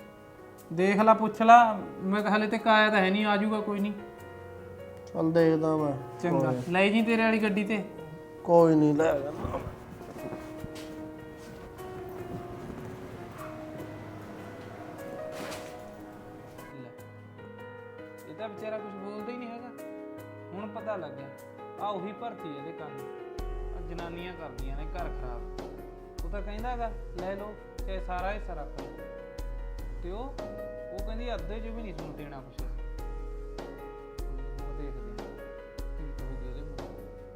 ਦੇਖ ਲਾ, ਪੁੱਛ ਲਾ। ਮੈਂ ਕਿਹਾ ਹਾਲੇ ਤੱਕ ਆਇਆ ਤਾਂ ਹੈ ਨਹੀਂ, ਆਜੂਗਾ ਕੋਈ ਨਹੀਂ। ਚੱਲ ਦੇਖਦਾ ਮੈਂ। ਚੰਗਾ ਲੈ ਜੀ ਤੇਰੇ ਵਾਲੀ ਗੱਡੀ ਤੇ। ਕੋਈ ਨਹੀਂ ਲੈ ਜਾਣਾ। ਇਹ ਤਾਂ ਵਿਚਾਰਾ ਕੁਝ ਬੋਲਦਾ ਹੀ ਨਹੀਂ ਹੈਗਾ। ਹੁਣ ਪਤਾ ਲੱਗਿਆ ਆ ਉਹੀ ਭਰਤੀ ਇਹਦੇ ਕੰਨ। ਆ ਜਨਾਨੀਆਂ ਕਰਦੀਆਂ ਨੇ ਘਰ ਖਰਾਬ। ਉਹ ਤਾਂ ਕਹਿੰਦਾ ਹੈਗਾ ਲੈ ਲਓ ਚਾਹੇ ਸਾਰਾ ਹਿੱਸਾ ਰੱਖ ਲਓ, ਤੇ ਉਹ ਉਹ ਕਹਿੰਦੀ ਅੱਧੇ 'ਚ ਵੀ ਨਹੀਂ ਤੁਹਾਨੂੰ ਦੇਣਾ ਕੁਛ। ਉਹ ਦੇਖਦੇ ਹਾਂ ਕੀ ਕਹੂਗੀ ਇਹਦੇ ਮੂੰਹ।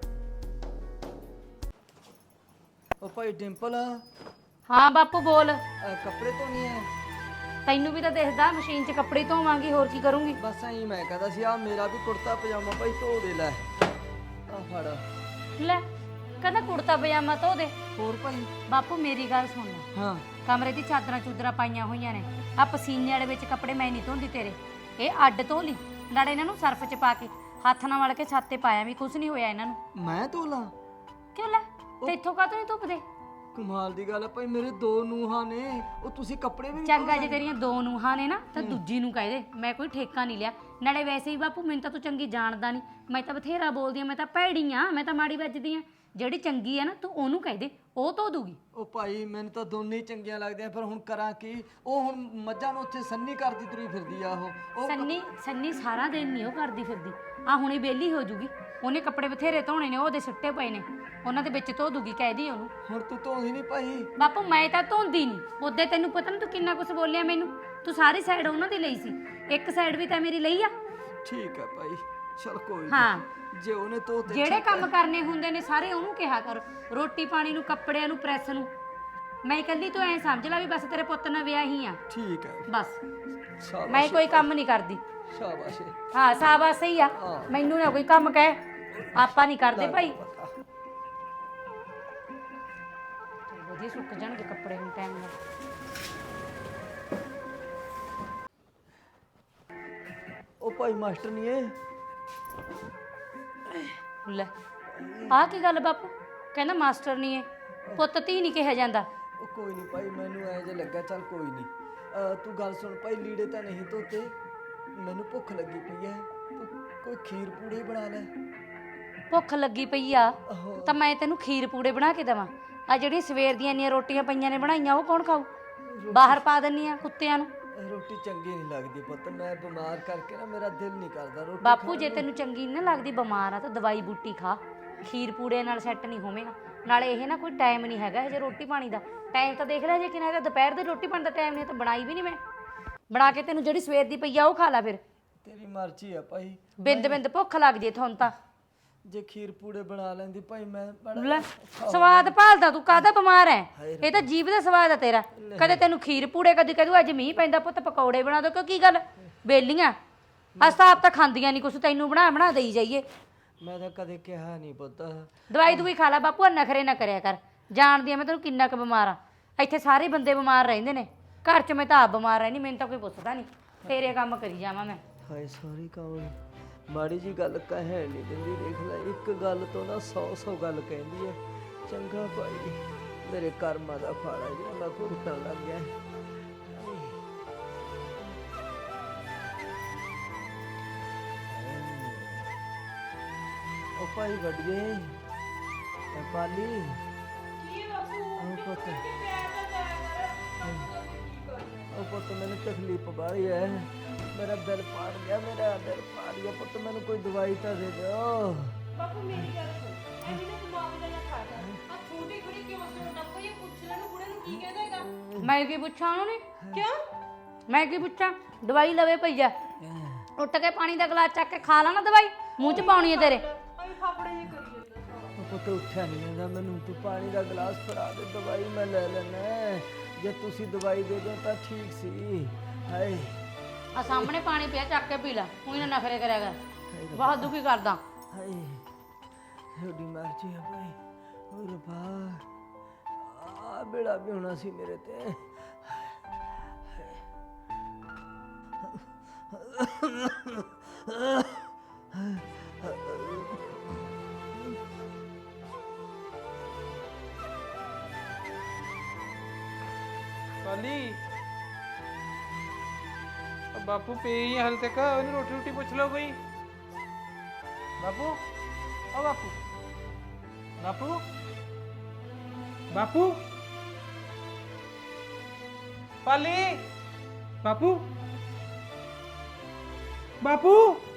ਉਹ ਭਾਈ ਡਿੰਪਲ, ਹਾਂ ਬਾਪੂ ਬੋਲ। ਅਹ ਕੱਪੜੇ ਧੋਣੀ ਹੈ? ਤੈਨੂੰ ਵੀ ਤਾਂ ਦਿਖਦਾ ਮਸ਼ੀਨ 'ਚ ਕੱਪੜੇ ਧੋਵਾਂਗੀ, ਹੋਰ ਕੀ ਕਰੂੰਗੀ। ਬਸ ਐਂ ਮੈਂ ਕਹਿੰਦਾ ਸੀ ਆ ਮੇਰਾ ਵੀ ਕੁੜਤਾ ਪਜਾਮਾ ਭਾਈ ਧੋ ਦੇ ਲੈ। ਆ ਫੜ। ਲੈ ਕਹਿੰਦਾ ਕੁੜਤਾ ਪਜਾਮਾ ਧੋ ਦੇ। ਹੋਰ ਭਾਈ? ਬਾਪੂ ਮੇਰੀ ਗੱਲ ਸੁਣ ਲੈ, ਹਾਂ ਕਮਰੇ ਦੀ ਚਾਦਰਾਂ ਚੂਦਰਾਂ ਪਾਈਆਂ ਹੋਈਆਂ ਨੇ, ਆ ਪਸੀਨੇ ਵਾਲੇ ਵਿੱਚ ਕੱਪੜੇ ਮੈਂ ਨਹੀਂ ਧੋਂਦੀ ਤੇਰੇ, ਇਹ ਅੱਡ ਧੋ ਲਈ। ਨਾਲੇ ਇਹਨਾਂ ਨੂੰ ਸਰਫ 'ਚ ਪਾ ਕੇ ਹੱਥ ਨਾਲ ਮਲ ਕੇ ਛੱਤ ਤੇ ਪਾਇਆ ਵੀ ਕੁਝ ਨਹੀਂ ਹੋਇਆ ਇਹਨਾਂ ਨੂੰ। ਮੈਂ ਧੋਲਾ? ਕਿਉਂ ਲੈ ਤੇ ਇੱਥੋਂ ਕਾਹਤੋਂ ਨਹੀਂ ਧੁੱਪਦੇ? ਕਮਾਲ ਦੀ ਗੱਲ ਹੈ ਭਾਈ, ਮੇਰੇ ਦੋ ਨੂੰਹਾਂ ਨੇ, ਉਹ ਤੁਸੀਂ ਕੱਪੜੇ ਵੀ ਨੀ ਚੰਗਾ ਜੇ ਤੇਰੀਆਂ ਦੋ ਨੂੰਹਾਂ ਨੇ ਨਾ ਤਾਂ ਦੂਜੀ ਨੂੰ ਕਹਿ ਦੇ, ਮੈਂ ਕੋਈ ਠੇਕਾ ਨਹੀਂ ਲਿਆ। ਨਾਲੇ ਵੈਸੇ ਹੀ ਬਾਪੂ ਮੈਨੂੰ ਤਾਂ ਤੂੰ ਚੰਗੀ ਜਾਣਦਾ ਨਹੀਂ, ਮੈਂ ਤਾਂ ਬਥੇਰਾ ਬੋਲਦੀ ਆ, ਮੈਂ ਤਾਂ ਭੈੜੀ ਆ, ਮੈਂ ਤਾਂ ਮਾੜੀ ਵੱਜਦੀ ਆ। ਜਿਹੜੀ ਚੰਗੀ ਆ ਨਾ ਤੂੰ ਉਹਨੂੰ ਕਹਿ ਦੇ, ਉਹ ਧੋ ਦੂਗੀ। ਉਹ ਭਾਈ ਮੈਨੂੰ ਤਾਂ ਦੋਨੇ ਹੀ ਚੰਗੀਆਂ ਲੱਗਦੀਆਂ, ਪਰ ਹੁਣ ਕਰਾਂ ਕੀ? ਉਹ ਹੁਣ ਮੱਝਾਂ ਨੂੰ ਉੱਥੇ ਸੰਨੀ ਕਰਦੀ ਤੁਰੀ ਫਿਰਦੀ ਆ। ਉਹ ਉਹ ਸੰਨੀ ਸੰਨੀ ਸਾਰਾ ਦਿਨ ਨਹੀਂ ਉਹ ਕਰਦੀ ਫਿਰਦੀ, ਆ ਹੁਣੇ ਵਿਹਲੀ ਹੋ ਜੂਗੀ, ਉਹਨੇ ਕੱਪੜੇ ਬਥੇਰੇ ਧੋਣੇ ਨੇ, ਉਹਦੇ ਸੁੱਟੇ ਪਏ ਨੇ, ਉਹਨਾਂ ਦੇ ਵਿੱਚ ਧੋ ਦੂਗੀ, ਕਹਿ ਦੀ ਉਹਨੂੰ। ਹੁਣ ਤੂੰ ਧੋਂਦੀ ਨਹੀਂ ਭਾਈ? ਬਾਪੂ ਮੈਂ ਤਾਂ ਧੋਂਦੀ ਨਹੀਂ, ਉਹਦੇ ਤੈਨੂੰ ਪਤਾ ਨਾ ਤੂੰ ਕਿੰਨਾ ਕੁਝ ਬੋਲਿਆ ਮੈਨੂੰ, ਤੂੰ ਸਾਰੀ ਸਾਈਡ ਉਹਨਾਂ ਦੀ ਲਈ ਸੀ, ਇੱਕ ਸਾਈਡ ਵੀ ਤਾਂ ਮੇਰੀ ਲਈ ਆ। ਠੀਕ ਹੈ ਭਾਈ, ਚਲ ਕੋਈ ਹਾਂ ਨੀ। ਜੇ ਉਹਨੇ ਧੋਤੇ ਜਿਹੜੇ ਕੰਮ ਕਰਨੇ ਹੁੰਦੇ ਨੇ ਸਾਰੇ ਉਹਨੂੰ ਕਿਹਾ ਕਰ, ਰੋਟੀ ਪਾਣੀ ਨੂੰ, ਕੱਪੜਿਆਂ ਨੂੰ, ਪ੍ਰੈਸ ਨੂੰ। ਮੈਂ ਇਕੱਲੀ ਤੂੰ ਐ ਸਮਝ ਲੈ ਵੀ ਬਸ ਤੇਰੇ ਪੁੱਤ ਨਾਲ ਵਿਆਹ ਹੀ ਆ, ਠੀਕ ਹੈ, ਬਸ। ਸ਼ਾਬਾਸ਼ ਮੈਂ ਕੋਈ ਕੰਮ ਨਹੀਂ ਕਰਦੀ। ਸ਼ਾਬਾਸ਼ ਏ। ਹਾਂ ਸਾਬਾਸ ਸਹੀ ਆ, ਮੈਨੂੰ ਨਾ ਕੋਈ ਕੰਮ ਕਹਿ, ਆਪਾਂ ਨਹੀਂ ਕਰਦੇ ਭਾਈ। ਵਧੀਆ ਸੁੱਕ ਜਾਣਗੇ ਕੱਪੜੇ ਹੁਣ ਟਾਈਮ ਨਾਲ। ਉਹ ਭਾਈ ਮਾਸਟਰ ਨਹੀਂ ਏ? ਲੈ ਆਹ ਕੀ ਗੱਲ ਬਾਪੂ, ਕਹਿੰਦਾ ਮਾਸਟਰ ਨਹੀਂ ਹੈ, ਪੁੱਤ ਧੀ ਨਹੀਂ ਕਿਹਾ ਜਾਂਦਾ। ਉਹ ਕੋਈ ਨਹੀਂ ਭਾਈ, ਮੈਨੂੰ ਐ ਜੇ ਲੱਗਾ, ਚੱਲ ਕੋਈ ਨਹੀਂ। ਤੂੰ ਗੱਲ ਸੁਣ ਭਾਈ, ਲੀੜੇ ਤਾਂ ਨਹੀਂ ਧੋਤੇ, ਮੈਨੂੰ ਭੁੱਖ ਲੱਗੀ ਪਈ ਐ, ਤੂੰ ਕੋਈ ਖੀਰ ਪੂੜੇ ਬਣਾ ਲੈ। ਭੁੱਖ ਲੱਗੀ ਪਈ ਆ ਤਾਂ ਮੈਂ ਤੈਨੂੰ ਖੀਰ ਪੂੜੇ ਬਣਾ ਕੇ ਦੇਵਾਂ? ਆ ਜਿਹੜੀਆਂ ਸਵੇਰ ਦੀਆਂ ਇੰਨੀਆਂ ਰੋਟੀਆਂ ਪਈਆਂ ਨੇ ਬਣਾਈਆਂ, ਉਹ ਕੌਣ ਖਾਊ? ਬਾਹਰ ਪਾ ਦਿੰਨੀ ਆ ਕੁੱਤਿਆਂ ਨੂੰ। ਰੋਟੀ ਚੰਗੀ ਨਹੀਂ ਲੱਗਦੀ ਪੁੱਤ, ਮੈਂ ਬਿਮਾਰ ਕਰਕੇ ਨਾ ਮੇਰਾ ਦਿਲ ਨਹੀਂ ਕਰਦਾ ਰੋਟੀ ਬਾਪੂ ਜੇ ਤੈਨੂੰ ਚੰਗੀ ਨਹੀਂ ਲੱਗਦੀ, ਬਿਮਾਰ ਆ ਤਾਂ ਦਵਾਈ ਬੂਟੀ ਖਾ, ਖੀਰ ਪੂੜੇ ਨਾਲ ਸੈੱਟ ਨਹੀਂ ਹੋਵੇਗਾ। ਨਾਲੇ ਇਹ ਨਾ ਕੋਈ ਟਾਈਮ ਨਹੀਂ ਹੈਗਾ ਜੇ ਰੋਟੀ ਪਾਣੀ ਦਾ, ਟਾਈਮ ਤਾਂ ਦੇਖ ਲੈ ਜੇ ਕਿੰਨਾ ਹੈਗਾ, ਦੁਪਹਿਰ ਦੀ ਰੋਟੀ ਪਾਣੀ ਦਾ ਟਾਈਮ ਨਹੀਂ ਤਾਂ ਬਣਾਈ ਵੀ ਨਹੀਂ ਮੈਂ। ਬਣਾ ਕੇ ਤੈਨੂੰ ਜਿਹੜੀ ਸਵੇਰ ਦੀ ਪਈ ਆ ਉਹ ਖਾ ਲੈ ਫਿਰ। ਤੇਰੀ ਮਰਜ਼ੀ ਆ ਭਾਈ, ਬਿੰਦ ਬਿੰਦ ਭੁੱਖ ਲੱਗਦੀ ਐ ਤੁਹਾਨੂੰ ਤਾਂ। ਜੇ ਖੀਰ ਪੂੜੇ ਬਣਾ ਲੈਂਦੀ ਭਾਈ ਮੈਂ ਬੜਾ ਲੈ ਸਵਾਦ ਭਾਲਦਾ ਤੂੰ, ਕਾਹਦਾ ਬਿਮਾਰ ਐ? ਇਹ ਤਾਂ ਜੀਭ ਦਾ ਸਵਾਦ ਆ ਤੇਰਾ। ਕਦੇ ਤੈਨੂੰ ਖੀਰ ਪੂੜੇ, ਕਦੇ ਕਹਦੂ ਅੱਜ ਮੀਂਹ ਪੈਂਦਾ ਪੁੱਤ ਪਕੌੜੇ ਬਣਾ ਦੋ, ਕਿਉਂ ਕੀ ਗੱਲ ਬੇਲੀਆਂ? ਅਸਾਂ ਆਪ ਤਾਂ ਖਾਂਦੀਆਂ ਨਹੀਂ ਕੁਛ, ਤੈਨੂੰ ਬਣਾ ਬਣਾ ਦੇਈ ਜਾਈਏ। ਮੈਂ ਤਾਂ ਕਦੇ ਕਿਹਾ ਨਹੀਂ ਪੁੱਤ। ਦਵਾਈ ਦੂਈ ਖਾ ਲੈ ਬਾਪੂ, ਨਖਰੇ ਨਾ ਕਰਿਆ ਕਰ, ਜਾਣਦੀ ਆ ਮੈਂ ਤੈਨੂੰ ਕਿੰਨਾ ਕੁ ਬਿਮਾਰ ਆ। ਇੱਥੇ ਸਾਰੇ ਬੰਦੇ ਬਿਮਾਰ ਰਹਿੰਦੇ ਨੇ, ਘਰ 'ਚ ਮੈਂ ਤਾਂ ਆਪ ਬਿਮਾਰ ਰਹਿਣੀ, ਮੈਨੂੰ ਤਾਂ ਕੋਈ ਪੁੱਛਦਾ ਨਹੀਂ, ਤੇਰੇ ਕੰਮ ਕਰੀ ਜਾਵਾਂ ਮੈਂ। ਹਾਏ ਸੌਰੀ ਕੌਣ ਮਾੜੀ ਜੀ ਗੱਲ ਕਹਿ ਨਹੀਂ ਦਿੰਦੀ, ਦੇਖ ਲੈ ਇੱਕ ਗੱਲ ਤੋਂ ਨਾ ਸੌ ਸੌ ਗੱਲ ਕਹਿੰਦੀ ਹੈ। ਚੰਗਾ ਭਾਈ, ਮੇਰੇ ਕਰਮਾਂ ਦਾ ਫਲ ਹੈ ਜਿਹੜਾ ਮੈਂ ਭੁਗਤਣ ਲੱਗ ਗਿਆ। ਉਹ ਭਾਈ ਵੱਡੀਏ, ਇਹ ਪਾਲੀ ਕੀ ਬਾਪੂ ਉਹ ਪੁੱਤ, ਪਿਆਰ ਦਾ ਜਾਇਆ ਕਰ, ਉਹ ਪੁੱਤ ਮੈਨੂੰ ਤਕਲੀਫ ਬਾਹਲੀ ਹੈ, ਮੇਰਾ ਦਿਲ ਪਾੜ ਗਿਆ, ਮੇਰਾ ਦਿਲ ਪਾੜ ਗਿਆ ਪੁੱਤ, ਮੈਨੂੰ ਕੋਈ ਦਵਾਈ ਤਾਂ ਦੇ ਦਿਓ। ਬਾਪੂ ਮੇਰੀ ਗੱਲ ਸੁਣ, ਐਵੇਂ ਨਾ ਦਿਮਾਗ ਦਾ ਨਾ ਖਾ ਕਰ, ਆ ਛੋਟੀ ਕੁੜੀ ਕਿਉਂ ਸੋਚਦਾ ਕੋਈ, ਇਹ ਪੁੱਛ ਲੈਣ ਬੁੜੇ ਨੂੰ ਕੀ ਕਹਿੰਦਾ ਹੈਗਾ। ਮੈਂ ਕੀ ਪੁੱਛਾਂ ਉਹਨੂੰ? ਨੀ ਕਿਉਂ ਮੈਂ ਕੀ ਪੁੱਛਾਂ? ਦਵਾਈ ਲਵੇ ਪਈਆ, ਉੱਠ ਕੇ ਪਾਣੀ ਦਾ ਗਲਾਸ ਚੱਕ ਕੇ ਖਾ ਲਾ ਨਾ ਦਵਾਈ, ਮੂੰਹ 'ਚ ਪਾਉਣੀ ਹੈ ਤੇਰੇ। ਐਵੇਂ ਫਾਫੜੇ ਜੇ ਕਰੀ ਜਾਂਦਾ। ਉਹ ਪੁੱਤ ਉੱਠਿਆ ਨਹੀਂ ਜਾਂਦਾ, ਮੈਨੂੰ ਤੂੰ ਪਾਣੀ ਦਾ ਗਲਾਸ ਫੜਾ ਦੇ, ਦਵਾਈ ਮੈਂ ਲੈ ਲੈਣਾ। ਜੇ ਤੁਸੀਂ ਦਵਾਈ ਦੇ ਦਿਓ ਤਾਂ ਠੀਕ ਸੀ। ਹਾਏ ਆ ਸਾਹਮਣੇ ਪਾਣੀ ਪਿਆ, ਚੱਕ ਕੇ ਪੀ ਲੈ, ਕੋਈ ਨਾ ਨਖਰੇ ਕਰਿਆ ਕਰ, ਬਹੁਤ ਦੁਖੀ ਕਰਦਾ। ਹਾਏ ਤੁਹਾਡੀ ਮਰਜ਼ੀ ਆ ਭਾਈ, ਹੋਰ ਰੱਬਾ ਆ ਬੇੜਾ ਵੀ ਹੋਣਾ ਸੀ ਮੇਰੇ ਤੇ। ਪਾਲੀ ਬਾਪੂ ਪਈ ਹਾਲ ਤੱਕ, ਉਹਨੂੰ ਰੋਟੀ ਰੋਟੀ ਪੁੱਛ ਲਓ ਕੋਈ। ਬਾਪੂ ਓ ਬਾਪੂ, ਬਾਪੂ ਬਾਪੂ ਪਾਲੀ, ਬਾਪੂ ਬਾਪੂ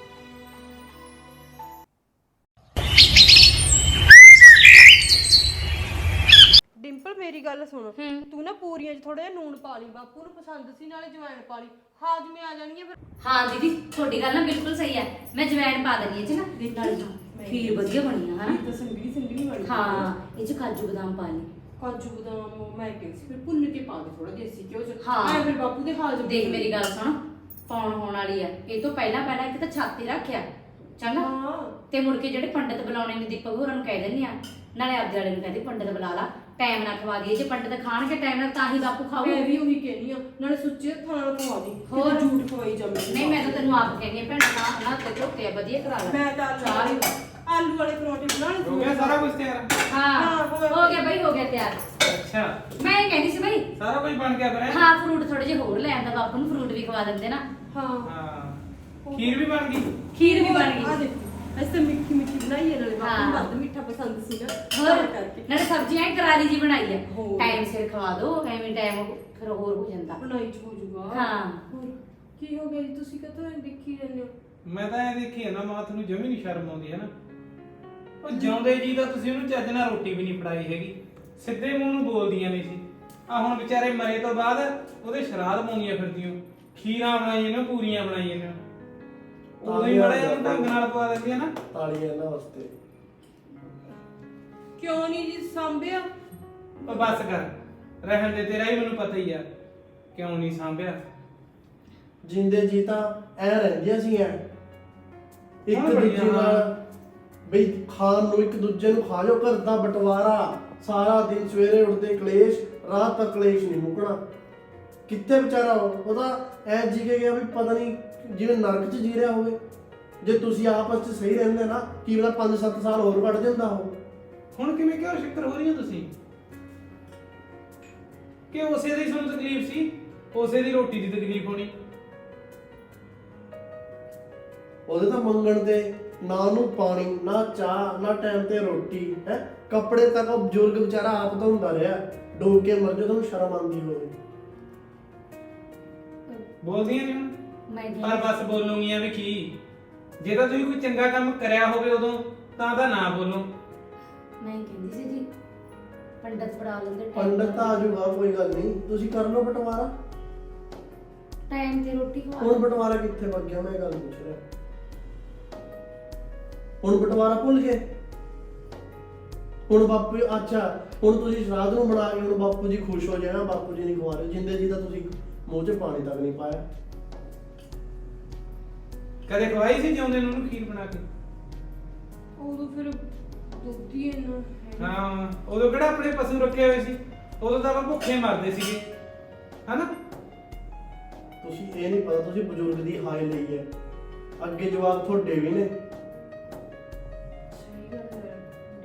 ਡਿੰਪਲ ਮੇਰੀ ਗੱਲ ਸੁਣ, ਤੂੰ ਨਾ ਪੂਰੀਆਂ 'ਚ ਥੋੜਾ ਜਿਹਾ ਨੂਣ ਪਾ ਲਈ, ਬਾਪੂ ਨੂੰ ਪਸੰਦ ਸੀ, ਨਾਲੇ ਜਵੈਣ ਪਾ ਲਈ, ਹਾਜ਼ਮੇ ਆ ਜਾਣਗੀਆਂ ਫਿਰ। ਹਾਂ ਦੀਦੀ ਤੁਹਾਡੀ ਗੱਲ ਨਾ ਬਿਲਕੁਲ ਸਹੀ ਹੈ, ਮੈਂ ਜਵੈਣ ਪਾ ਦਿੰਦੀ ਹਾਂ ਜੀ ਨਾ, ਨਾਲੇ ਖੀਰ ਵਧੀਆ ਬਣੀ ਆ ਹਨਾ। ਤਾਂ ਸੰਗਲੀ ਸੰਗਲੀ ਵਾਲੀ ਹਾਂ ਇਹ 'ਚ ਕਾਜੂ ਬਦਾਮ ਪਾ ਲਈ, ਕਾਜੂ ਬਦਾਮ ਮੈਂ ਕਹਿੰਦੀ ਸੀ ਫਿਰ ਭੁੰਨ ਕੇ ਪਾ ਦੇ ਥੋੜਾ ਦੇਸੀ ਘਿਓ 'ਚ। ਹਾਂ। ਐ ਫਿਰ ਬਾਪੂ ਦੇ ਹਾਜ਼ਮ ਦੇਖ ਮੇਰੀ ਗੱਲ ਸੁਣ, ਪਾਉਣ ਹੋਣ ਵਾਲੀ ਆ, ਇਹ ਤੋਂ ਪਹਿਲਾਂ ਪਹਿਲਾਂ ਇੱਕ ਤਾਂ ਛਾਤੀ ਰੱਖਿਆ ਚੰਗਾ, ਹਾਂ ਤੇ ਮੁੜ ਕੇ ਜਿਹੜੇ ਪੰਡਤ ਬੁਲਾਉਣੇ ਨੇ ਦੀਪਕ ਹੋਰਾਂ ਨੂੰ ਕਹਿ ਦਿੰਦੀ ਆ, ਨਾਲੇ ਆਪਦੇ ਵਾਲੇ ਨੂੰ ਕਹਿੰਦੀ ਪੰਡਤ ਬੁਲਾ ਲਾ, ਟਾਈਮ ਨਾਲ ਖਵਾ ਦਈਏ। ਜੇ ਪੰਡਤ ਖਾਣਗੇ ਟਾਈਮ ਨਾਲ ਤਾਂ ਹੀ ਬਾਪੂ ਖਾਊ। ਮੈਂ ਵੀ ਉਹੀ ਕਹਿਨੀ ਆ, ਨਾਲੇ ਸੁੱਚੇ ਹੱਥਾਂ ਨਾਲ ਖਵਾ ਦੀ, ਹੋਰ? ਹੋਰ ਝੂਠ ਖਵਾਈ ਜਾ ਮੈਨੂੰ। ਨਹੀਂ ਮੈਂ ਤਾਂ ਤੈਨੂੰ ਆਪ ਕਹਿੰਦੀ ਆ ਭੈਣਾ, ਨਾ ਨਾ ਤੇ ਝੋਟੇ ਵਧੀਆ ਕਰਾ ਲੈ। ਮੈਂ ਤਾਂ ਆਲੂ ਚਾਹ ਵੀ ਵਾਲੇ ਆਲੂ ਵਾਲੇ ਪਰੌਂਠੇ ਬਣਾਉਣੇ ਸੀ। ਹੋ ਗਿਆ ਸਾਰਾ ਕੁਝ ਤਿਆਰ? ਹਾਂ ਹਾਂ, ਹੋ ਗਿਆ। ਹੋ ਗਿਆ ਬਈ, ਹੋ ਗਿਆ ਤਿਆਰ। ਅੱਛਾ, ਮੈਂ ਇਹ ਕਹਿੰਦੀ ਸੀ ਬਈ, ਸਾਰਾ ਕੁਝ ਬਣ ਗਿਆ ਫਿਰ? ਹਾਂ ਫਰੂਟ ਥੋੜੇ ਜਿਹੇ ਹੋਰ ਲੈ ਆਂਦਾ, ਬਾਪੂ ਨੂੰ ਫਰੂਟ ਵੀ ਖਵਾ ਦਿੰਦੇ ਨਾ। ਹਾਂ ਹਾਂ, ਖੀਰ ਵੀ ਬਣ ਗਈ? ਖੀਰ ਵੀ ਬਣ ਆ ਗਈ। ਦੇਖੋ ਅਸੀਂ ਤਾਂ ਮਿੱਠੀ ਮਿੱਠੀ ਬਣਾਈ ਹੈ, ਨਾਲੇ ਬਾਪੂ ਨੂੰ ਹਾਂ। ਵੱਧ ਮਿੱਠਾ ਪਸੰਦ ਸੀ ਨਾ, ਹੋਰ ਤਾਂ ਕਰਕੇ ਨਾਲੇ ਸਬਜ਼ੀਆਂ ਹੀ ਕਰਾਰੀ ਜੀ ਬਣਾਈ ਆ। ਹੋਰ। ਟਾਈਮ ਸਿਰ ਖਵਾ ਦੋ, ਐਵੇਂ ਟਾਈਮ ਫਿਰ ਹੋਰ ਹੋ ਜਾਂਦਾ। ਬਣਾਈ ਚ ਹੋ ਜੂਗਾ। ਹਾਂ। ਹੋਰ ਕੀ ਹੋ ਗਿਆ ਜੀ, ਤੁਸੀਂ ਕਦੋਂ ਦੇਖੀ ਜਾਂਦੇ ਹੋ? ਮੈਂ ਤਾਂ ਇਹ ਦੇਖੀ ਹੈ ਨਾ ਮਾਂ, ਤੁਹਾਨੂੰ ਜਮੀ ਨਹੀਂ ਸ਼ਰਮ ਆਉਂਦੀ ਹੈ ਨਾ। ਉਹ ਜਿਉਂਦੇ ਜੀ ਤਾਂ ਤੁਸੀਂ ਉਹਨੂੰ ਚੱਜ ਨਾਲ ਰੋਟੀ ਵੀ ਨਹੀਂ ਫੜਾਈ ਹੈਗੀ, ਸਿੱਧੇ ਮੂੰਹ ਨੂੰ ਬੋਲਦੀਆਂ ਨਹੀਂ ਸੀ। ਆ ਹੁਣ ਵਿਚਾਰੇ ਮਰੇ ਤੋਂ ਬਾਅਦ ਉਹਦੇ ਸ਼ਰਾਧ ਪਾਉਂਦੀਆਂ ਫਿਰਦੀਆਂ, ਖੀਰਾਂ ਬਣਾਈਆਂ ਨੇ, ਪੂਰੀਆਂ ਬਣਾਈਆਂ ਨੇ, ਉਦੋਂ ਹੀ ਬੜਾ ਜਿਹਾ ਢੰਗ ਨਾਲ ਪਵਾ ਦਿੰਦੀਆਂ ਨਾ। ਤਾਲੀਆਂ ਇਹਨਾਂ ਵਾਸਤੇ। ਕਿਉਂ ਨਹੀਂ ਜੀ ਸਾਂਭਿਆ? ਉਹ ਬਸ ਕਰ, ਰਹਿਣ ਦੇ, ਤੇਰਾ ਹੀ ਮੈਨੂੰ ਪਤਾ ਹੀ ਆ ਕਿਉਂ ਨਹੀਂ ਸਾਂਭਿਆ। ਜਿੰਦੇ ਜੀ ਤਾਂ ਐ ਰਹਿੰਦੀਆਂ ਸੀ ਐ ਇੱਕ ਹਾਂ, ਬੜੀਆਂ, ਦੂਜੇ ਨਾਲ, ਬਈ ਖਾਣ ਨੂੰ ਇੱਕ ਦੂਜੇ ਨੂੰ ਖਾ ਜਾਓ, ਘਰ ਦਾ ਬਟਵਾਰਾ ਸਾਰਾ ਦਿਨ, ਸਵੇਰੇ ਉੱਠਦੇ ਕਲੇਸ਼, ਰਾਤ ਤੱਕ ਕਲੇਸ਼ ਨਹੀਂ ਮੁੱਕਣਾ। ਕਿੱਥੇ ਵਿਚਾਰਾ ਉਹਦਾ ਐ ਜੀ ਕੇ ਗਿਆ ਵੀ ਪਤਾ ਨਹੀਂ ਜਿਵੇਂ ਨਰਕ 'ਚ ਜੀ ਰਿਹਾ ਹੋਵੇ। ਜੇ ਤੁਸੀਂ ਆਪਸ 'ਚ ਸਹੀ ਰਹਿੰਦੇ ਨਾ, ਕੀ ਪਤਾ ਪੰਜ ਸੱਤ ਸਾਲ ਹੋਰ ਕੱਢ ਜਾਂਦਾ ਉਹ। ਹੁਣ ਕਿਵੇਂ ਕਿਉਂ ਸ਼ਿਕਰ ਹੋ ਰਹੀ ਹੋ ਤੁਸੀਂ? ਕਿ ਉਸੇ ਦੀ ਤੁਹਾਨੂੰ ਤਕਲੀਫ ਸੀ, ਉਸੇ ਦੀ ਰੋਟੀ ਦੀ ਤਕਲੀਫ ਹੋਣੀ। ਉਹਦੇ ਤਾਂ ਮੰਗਣ ਦੇ ਨਾ ਉਹਨੂੰ ਪਾਣੀ, ਨਾ ਚਾਹ, ਨਾ ਟਾਈਮ ਤੇ ਰੋਟੀ ਹੈ, ਕੱਪੜੇ ਤੱਕ ਉਹ ਬਜ਼ੁਰਗ ਵਿਚਾਰਾ ਆਪ ਧੋਂਦਾ ਰਿਹਾ, ਡੋਬ ਕੇ ਮਰ ਜਾ, ਤੁਹਾਨੂੰ ਸ਼ਰਮ ਆਉਂਦੀ ਹੋਵੇ। ਬੋਲਦੀਆਂ ਨਹੀਂ ਹੁਣ, ਮੈਂ ਪਰ ਬਸ ਬੋਲੂਗੀਆਂ ਵੀ ਕੀ? ਜੇ ਤਾਂ ਤੁਸੀਂ ਕੋਈ ਚੰਗਾ ਕੰਮ ਕਰਿਆ ਹੋਵੇ ਉਦੋਂ ਤਾਂ ਤਾਂ ਨਾ ਬੋਲੋ। ਮੈਂ ਕਹਿੰਦੀ ਸੀ ਜੀ, ਪੰਡਤ ਪੜਾ ਲੈਂਦੇ ਪੰਡਤ ਤਾਂ ਆ ਜਾਊਗਾ, ਕੋਈ ਗੱਲ ਨਹੀਂ, ਤੁਸੀਂ ਕਰ ਲਓ ਬਟਵਾਰਾ। ਟਾਈਮ ਤੇ ਰੋਟੀ ਖਵਾ ਹੁਣ ਬਟਵਾਰਾ ਕਿੱਥੇ ਵਗ ਗਿਆ, ਮੈਂ ਇਹ ਗੱਲ ਪੁੱਛ ਰਿਹਾ। ਹੁਣ ਬਟਵਾਰਾ ਭੁੱਲ ਗਏ? ਹੁਣ ਬਾਪੂ, ਅੱਛਾ ਹੁਣ ਤੁਸੀਂ ਸ਼ਰਾਧ ਨੂੰ ਬਣਾ ਕੇ ਹੁਣ ਬਾਪੂ ਜੀ ਖੁਸ਼ ਹੋ ਜਾਣਾ, ਬਾਪੂ ਜੀ ਨਹੀਂ ਖਵਾ ਰਹੇ, ਜਿੰਦੇ ਜੀ ਤਾਂ ਤੁਸੀਂ ਮੂੰਹ 'ਚ ਪਾਣੀ ਤੱਕ ਨਹੀਂ ਪਾਇਆ। ਕਦੇ ਖਵਾਈ ਸੀ ਜਿਉਂਦੇ ਨੂੰ ਉਹਨੂੰ ਖੀਰ ਬਣਾ ਕੇ? ਉਦੋਂ ਫਿਰ ਦੁੱਧ ਹੀ ਇੰਨਾ ਹੈ। ਹਾਂ, ਉਦੋਂ ਕਿਹੜਾ ਆਪਣੇ ਪਸ਼ੂ ਰੱਖੇ ਹੋਏ ਸੀ, ਉਦੋਂ ਤਾਂ ਆਪਾਂ ਭੁੱਖੇ ਮਰਦੇ ਸੀਗੇ, ਹਨਾ? ਤੁਸੀਂ ਇਹ ਨਹੀਂ ਪਤਾ ਤੁਸੀਂ ਬਜ਼ੁਰਗ ਦੀ ਹਾਈ ਲਈ ਹੈ, ਅੱਗੇ ਜਵਾਬ ਤੁਹਾਡੇ ਵੀ ਨੇ। ਸਹੀ ਗੱਲ ਹੈ।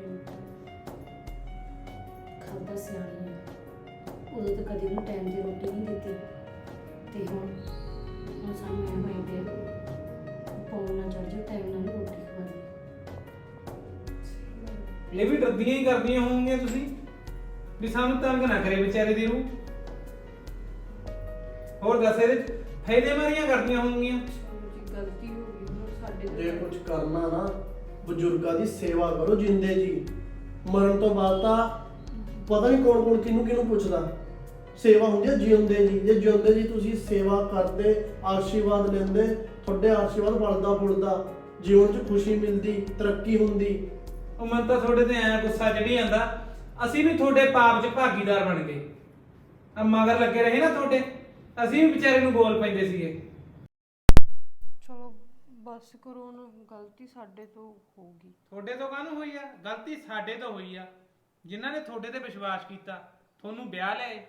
ਖਾਦਾ ਸਿਆਣੀ ਹੈ, ਉਦੋਂ ਤਾਂ ਕਦੇ ਉਹਨੂੰ ਟਾਈਮ ਤੇ ਰੋਟੀ ਨਹੀਂ ਦਿੱਤੀ, ਤੇ ਹੁਣ ਹੁਣ ਸਾਨੂੰ ਮੈਂ ਮੈਂ ਦੇ ਪੌਣ ਨਾ ਚੜ ਜਾ, ਟਾਈਮ ਨਾਲ ਰੋਟੀ ਖਵਾ ਦੇ। ਇਹ ਵੀ ਡਰਦੀਆਂ ਹੀ ਕਰਦੀਆਂ ਹੋਣਗੀਆਂ ਤੁਸੀਂ ਵੀ ਸਾਨੂੰ ਤੰਗ ਨਾ ਕਰੇ ਵਿਚਾਰੇ ਦੀ ਰੂਹ। ਹੋਰ ਦੱਸ, ਇਹਦੇ 'ਚ ਫਾਇਦੇ ਮਾਰੀਆਂ ਕਰਦੀਆਂ ਹੋਣਗੀਆਂ। ਚਲੋ ਜੀ, ਗਲਤੀ ਹੋ ਗਈ ਹੁਣ ਸਾਡੇ ਤੋਂ। ਜੇ ਕੁਝ ਕਰਨਾ ਨਾ, ਬਜ਼ੁਰਗਾਂ ਦੀ ਸੇਵਾ ਕਰੋ ਜਿੰਦੇ ਜੀ। ਮਰਨ ਤੋਂ ਬਾਅਦ ਤਾਂ ਪਤਾ ਨਹੀਂ ਕੌਣ ਕੌਣ ਕਿਹਨੂੰ ਕਿਹਨੂੰ ਪੁੱਛਦਾ। ਸੇਵਾ ਹੁੰਦੀ ਹੈ ਜਿਉਂਦੇ ਜੀ, ਜੇ ਜਿਉਂਦੇ ਜੀ ਤੁਸੀਂ ਸੇਵਾ ਕਰਦੇ, ਆਸ਼ੀਰਵਾਦ ਲੈਂਦੇ, ਤੁਹਾਡੇ ਆਸ਼ੀਰਵਾਦ ਵੱਲਦਾ ਫੁੱਲਦਾ, ਜੀਵਨ 'ਚ ਖੁਸ਼ੀ ਮਿਲਦੀ, ਤਰੱਕੀ ਹੁੰਦੀ। ਉਹ ਮਨ ਤਾਂ ਤੁਹਾਡੇ ਤੇ ਐ ਗੁੱਸਾ ਚੜੀ ਜਾਂਦਾ, ਅਸੀਂ ਵੀ ਤੁਹਾਡੇ ਪਾਪ 'ਚ ਭਾਗੀਦਾਰ ਬਣ ਗਏ। ਆ ਮਗਰ ਲੱਗੇ ਰਹੇ ਨਾ ਤੁਹਾਡੇ, ਅਸੀਂ ਵੀ ਵਿਚਾਰੇ ਨੂੰ ਬੋਲ ਪੈਂਦੇ ਸੀਗੇ। ਚਲੋ ਬਸ ਕਰੋ ਨਾ, ਗਲਤੀ ਸਾਡੇ ਤੋਂ ਹੋ ਗਈ। ਤੁਹਾਡੇ ਤੋਂ ਕਾਹਨੂੰ ਹੋਈ ਆ ਗਲਤੀ? ਸਾਡੇ ਤੋਂ ਹੋਈ ਆ, ਜਿਨ੍ਹਾਂ ਨੇ ਤੁਹਾਡੇ ਤੇ ਵਿਸ਼ਵਾਸ ਕੀਤਾ, ਤੁਹਾਨੂੰ ਵਿਆਹ ਲਿਆਏ।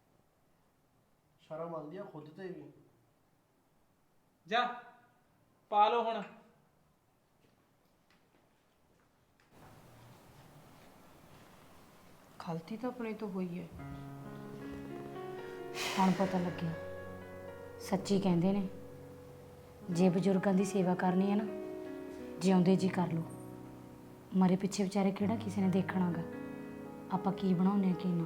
ਸ਼ਰਮ ਆਉਂਦੀ ਆ ਖੁਦ ਤੇ ਵੀ। ਜਾ ਪਾ ਲਓ ਹੁਣ। ਗਲਤੀ ਤਾਂ ਆਪਣੇ ਤੋਂ ਹੋਈ ਹੈ। ਹੁਣ ਪਤਾ ਲੱਗਿਆ, ਸੱਚੀ ਕਹਿੰਦੇ ਨੇ, ਜੇ ਬਜ਼ੁਰਗਾਂ ਦੀ ਸੇਵਾ ਕਰਨੀ ਹੈ ਨਾ, ਜਿਉਂਦੇ ਜੀ ਕਰ ਲਓ, ਮਰੇ ਪਿੱਛੇ ਵਿਚਾਰੇ ਕਿਹੜਾ ਕਿਸੇ ਨੇ ਦੇਖਣਾਗਾ, ਆਪਾਂ ਕੀ ਬਣਾਉਂਦੇ ਆ ਕੀ ਨਾ।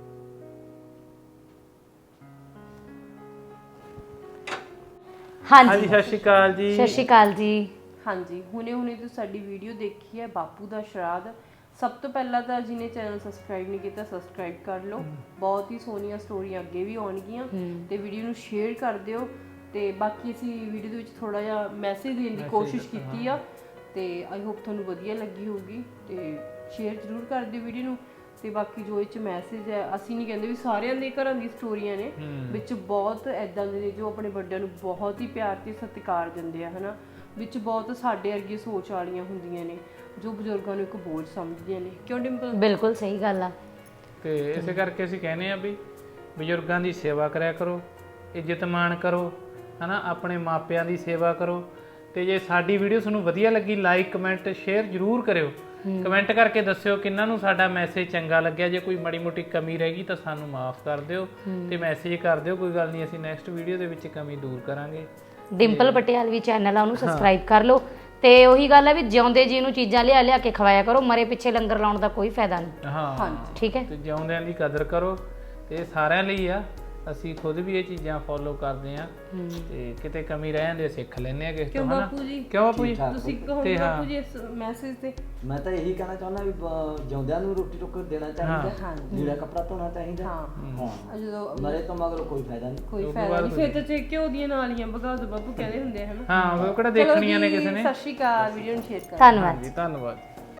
ਹਾਂਜੀ, ਸਤਿ ਸ਼੍ਰੀ ਅਕਾਲ ਜੀ। ਸਤਿ ਸ਼੍ਰੀ ਅਕਾਲ ਜੀ। ਹਾਂਜੀ, ਹੁਣੇ ਹੁਣੇ ਤੁਸੀਂ ਸਾਡੀ ਵੀਡੀਓ ਦੇਖੀ ਹੈ ਬਾਪੂ ਦਾ ਸ਼ਰਾਧ। ਸਭ ਤੋਂ ਪਹਿਲਾਂ ਤਾਂ ਜਿਹਨੇ ਚੈਨਲ ਸਬਸਕ੍ਰਾਈਬ ਨਹੀਂ ਕੀਤਾ, ਸਬਸਕ੍ਰਾਈਬ ਕਰ ਲਓ। ਬਹੁਤ ਹੀ ਸੋਹਣੀਆਂ ਸਟੋਰੀਆਂ ਅੱਗੇ ਵੀ ਆਉਣਗੀਆਂ, ਤੇ ਵੀਡੀਓ ਨੂੰ ਸ਼ੇਅਰ ਕਰ ਦਿਓ। ਤੇ ਬਾਕੀ ਅਸੀਂ ਵੀਡੀਓ ਦੇ ਵਿੱਚ ਥੋੜਾ ਜਿਹਾ ਮੈਸੇਜ ਦੇਣ ਦੀ ਕੋਸ਼ਿਸ਼ ਕੀਤੀ ਆ, ਤੇ ਆਈ ਹੋਪ ਤੁਹਾਨੂੰ ਵਧੀਆ ਲੱਗੀ ਹੋਊਗੀ। ਤੇ ਸ਼ੇਅਰ ਜ਼ਰੂਰ ਕਰ ਦਿਓ ਵੀਡੀਓ ਨੂੰ। ਤੇ ਬਾਕੀ ਜੋ ਇਹ 'ਚ ਮੈਸੇਜ ਹੈ, ਅਸੀਂ ਨਹੀਂ ਕਹਿੰਦੇ ਵੀ ਸਾਰਿਆਂ ਦੇ ਘਰਾਂ ਦੀ ਸਟੋਰੀਆਂ ਨੇ, ਵਿੱਚ ਬਹੁਤ ਐਦਾਂ ਦੇ ਨੇ ਜੋ ਆਪਣੇ ਵੱਡਿਆਂ ਨੂੰ ਬਹੁਤ ਹੀ ਪਿਆਰ ਤੇ ਸਤਿਕਾਰ ਦਿੰਦੇ ਆ, ਹਨਾ। ਵਿੱਚ ਬਹੁਤ ਸਾਡੇ ਵਰਗੀ ਸੋਚ ਵਾਲੀਆਂ ਹੁੰਦੀਆਂ ਨੇ ਜੋ ਬਜ਼ੁਰਗਾਂ ਨੂੰ ਇੱਕ ਬੋਝ ਸਮਝਦੀਆਂ ਨੇ। ਕਿਉਂ ਡਿੰਪਲ? ਬਿਲਕੁਲ ਸਹੀ ਗੱਲ ਆ। ਤੇ ਇਸੇ ਕਰਕੇ ਅਸੀਂ ਕਹਿੰਦੇ ਆ ਵੀ ਬਜ਼ੁਰਗਾਂ ਦੀ ਸੇਵਾ ਕਰਿਆ ਕਰੋ, ਇੱਜ਼ਤ ਮਾਣ ਕਰੋ, ਹਨਾ, ਆਪਣੇ ਮਾਪਿਆਂ ਦੀ ਸੇਵਾ ਕਰੋ। ਤੇ ਜੇ ਸਾਡੀ ਵੀਡੀਓ ਤੁਹਾਨੂੰ ਵਧੀਆ ਲੱਗੀ ਲਾਈਕ ਕਮੈਂਟ ਸ਼ੇਅਰ ਜ਼ਰੂਰ ਕਰਿਓ। ਕਮੈਂਟ ਕਰਕੇ ਦੱਸਿਓ ਕਿੰਨਾਂ ਨੂੰ ਸਾਡਾ ਮੈਸੇਜ ਚੰਗਾ ਲੱਗਿਆ। ਜੇ ਕੋਈ ਮਾੜੀ ਮੋਟੀ ਕਮੀ ਰਹਿ ਗਈ ਤਾਂ ਸਾਨੂੰ ਮਾਫ ਕਰ ਦਿਓ ਤੇ ਮੈਸੇਜ ਕਰ ਦਿਓ, ਕੋਈ ਗੱਲ ਨਹੀਂ, ਅਸੀਂ ਨੈਕਸਟ ਵੀਡੀਓ ਦੇ ਵਿੱਚ ਕਮੀ ਦੂਰ ਕਰਾਂਗੇ। ਡਿੰਪਲ ਪਟਿਆਲਵੀ ਚੈਨਲ ਆ, ਉਹਨੂੰ ਸਬਸਕ੍ਰਾਈਬ ਕਰ ਲਓ। ਤੇ ਉਹੀ ਗੱਲ ਹੈ ਵੀ ਜਿਉਂਦੇ ਜੀ ਨੂੰ ਚੀਜ਼ਾਂ ਲਿਆ ਲਿਆ ਕੇ ਖਵਾਇਆ ਕਰੋ, ਮਰੇ ਪਿੱਛੇ ਲੰਗਰ ਲਾਉਣ ਦਾ ਕੋਈ ਫਾਇਦਾ ਨਹੀਂ। ਹਾਂ ਠੀਕ ਹੈ, ਤੇ ਜਿਉਂਦਿਆਂ ਦੀ ਕਦਰ ਕਰੋ, ਤੇ ਸਾਰਿਆਂ ਲਈ ਆ। ਅਸੀਂ ਖੁਦ ਵੀ ਇਹ ਚੀਜ਼ਾਂ ਫੋਲੋ ਕਰਦੇ ਆ ਤੇ ਕਿਤੇ ਕਮੀ ਰਹਿ ਜਾਂਦੇ ਸਿੱਖ ਲੈਂਦੇ ਆ ਕਿਸੇ ਤੋਂ, ਹਨਾ? ਬਾਪੂ ਜੀ ਕਿਉਂ ਬਾਪੂ ਜੀ? ਤੁਸੀਂ ਕਹੋ ਬਾਪੂ ਜੀ ਇਸ ਮੈਸੇਜ ਤੇ ਮੈਂ ਤਾਂ ਇਹੀ ਕਹਿਣਾ ਚਾਹੁੰਦਾ ਵੀ ਬ- ਜਿਉਂਦਿਆਂ ਨੂੰ ਰੋਟੀ ਟੁੱਕ ਦੇਣਾ ਚਾਹੀਦਾ, ਲੀੜਾ ਕੱਪੜਾ ਧੋਣਾ ਚਾਹੀਦਾ। ਹਾਂ, ਜਦੋਂ ਮਰੇ ਤੋਂ ਮਗਰੋਂ ਕੋਈ ਫਾਇਦਾ ਨਹੀਂ। ਕੋਈ ਫਾਇਦਾ ਨਹੀਂ, ਫਿਰ ਤਾਂ ਚੇ ਘਿਓ ਦੀਆਂ ਨਾਲੀਆਂ ਭਗਾ ਦੋ ਬਾਪੂ ਕਹਿੰਦੇ ਹੁੰਦੇ ਆ, ਹਨਾ? ਹਾਂ, ਉਹ ਕਿਹੜਾ ਦੇਖਣੀਆਂ ਨੇ ਕਿਸੇ ਨੇ। ਸਤਿ ਸ਼੍ਰੀ ਅਕਾਲ, ਵੀਡੀਓ ਨੂੰ ਸ਼ੇਅਰ ਕਰ। ਧੰਨਵਾਦ। ਜੀ ਧੰਨਵਾਦ।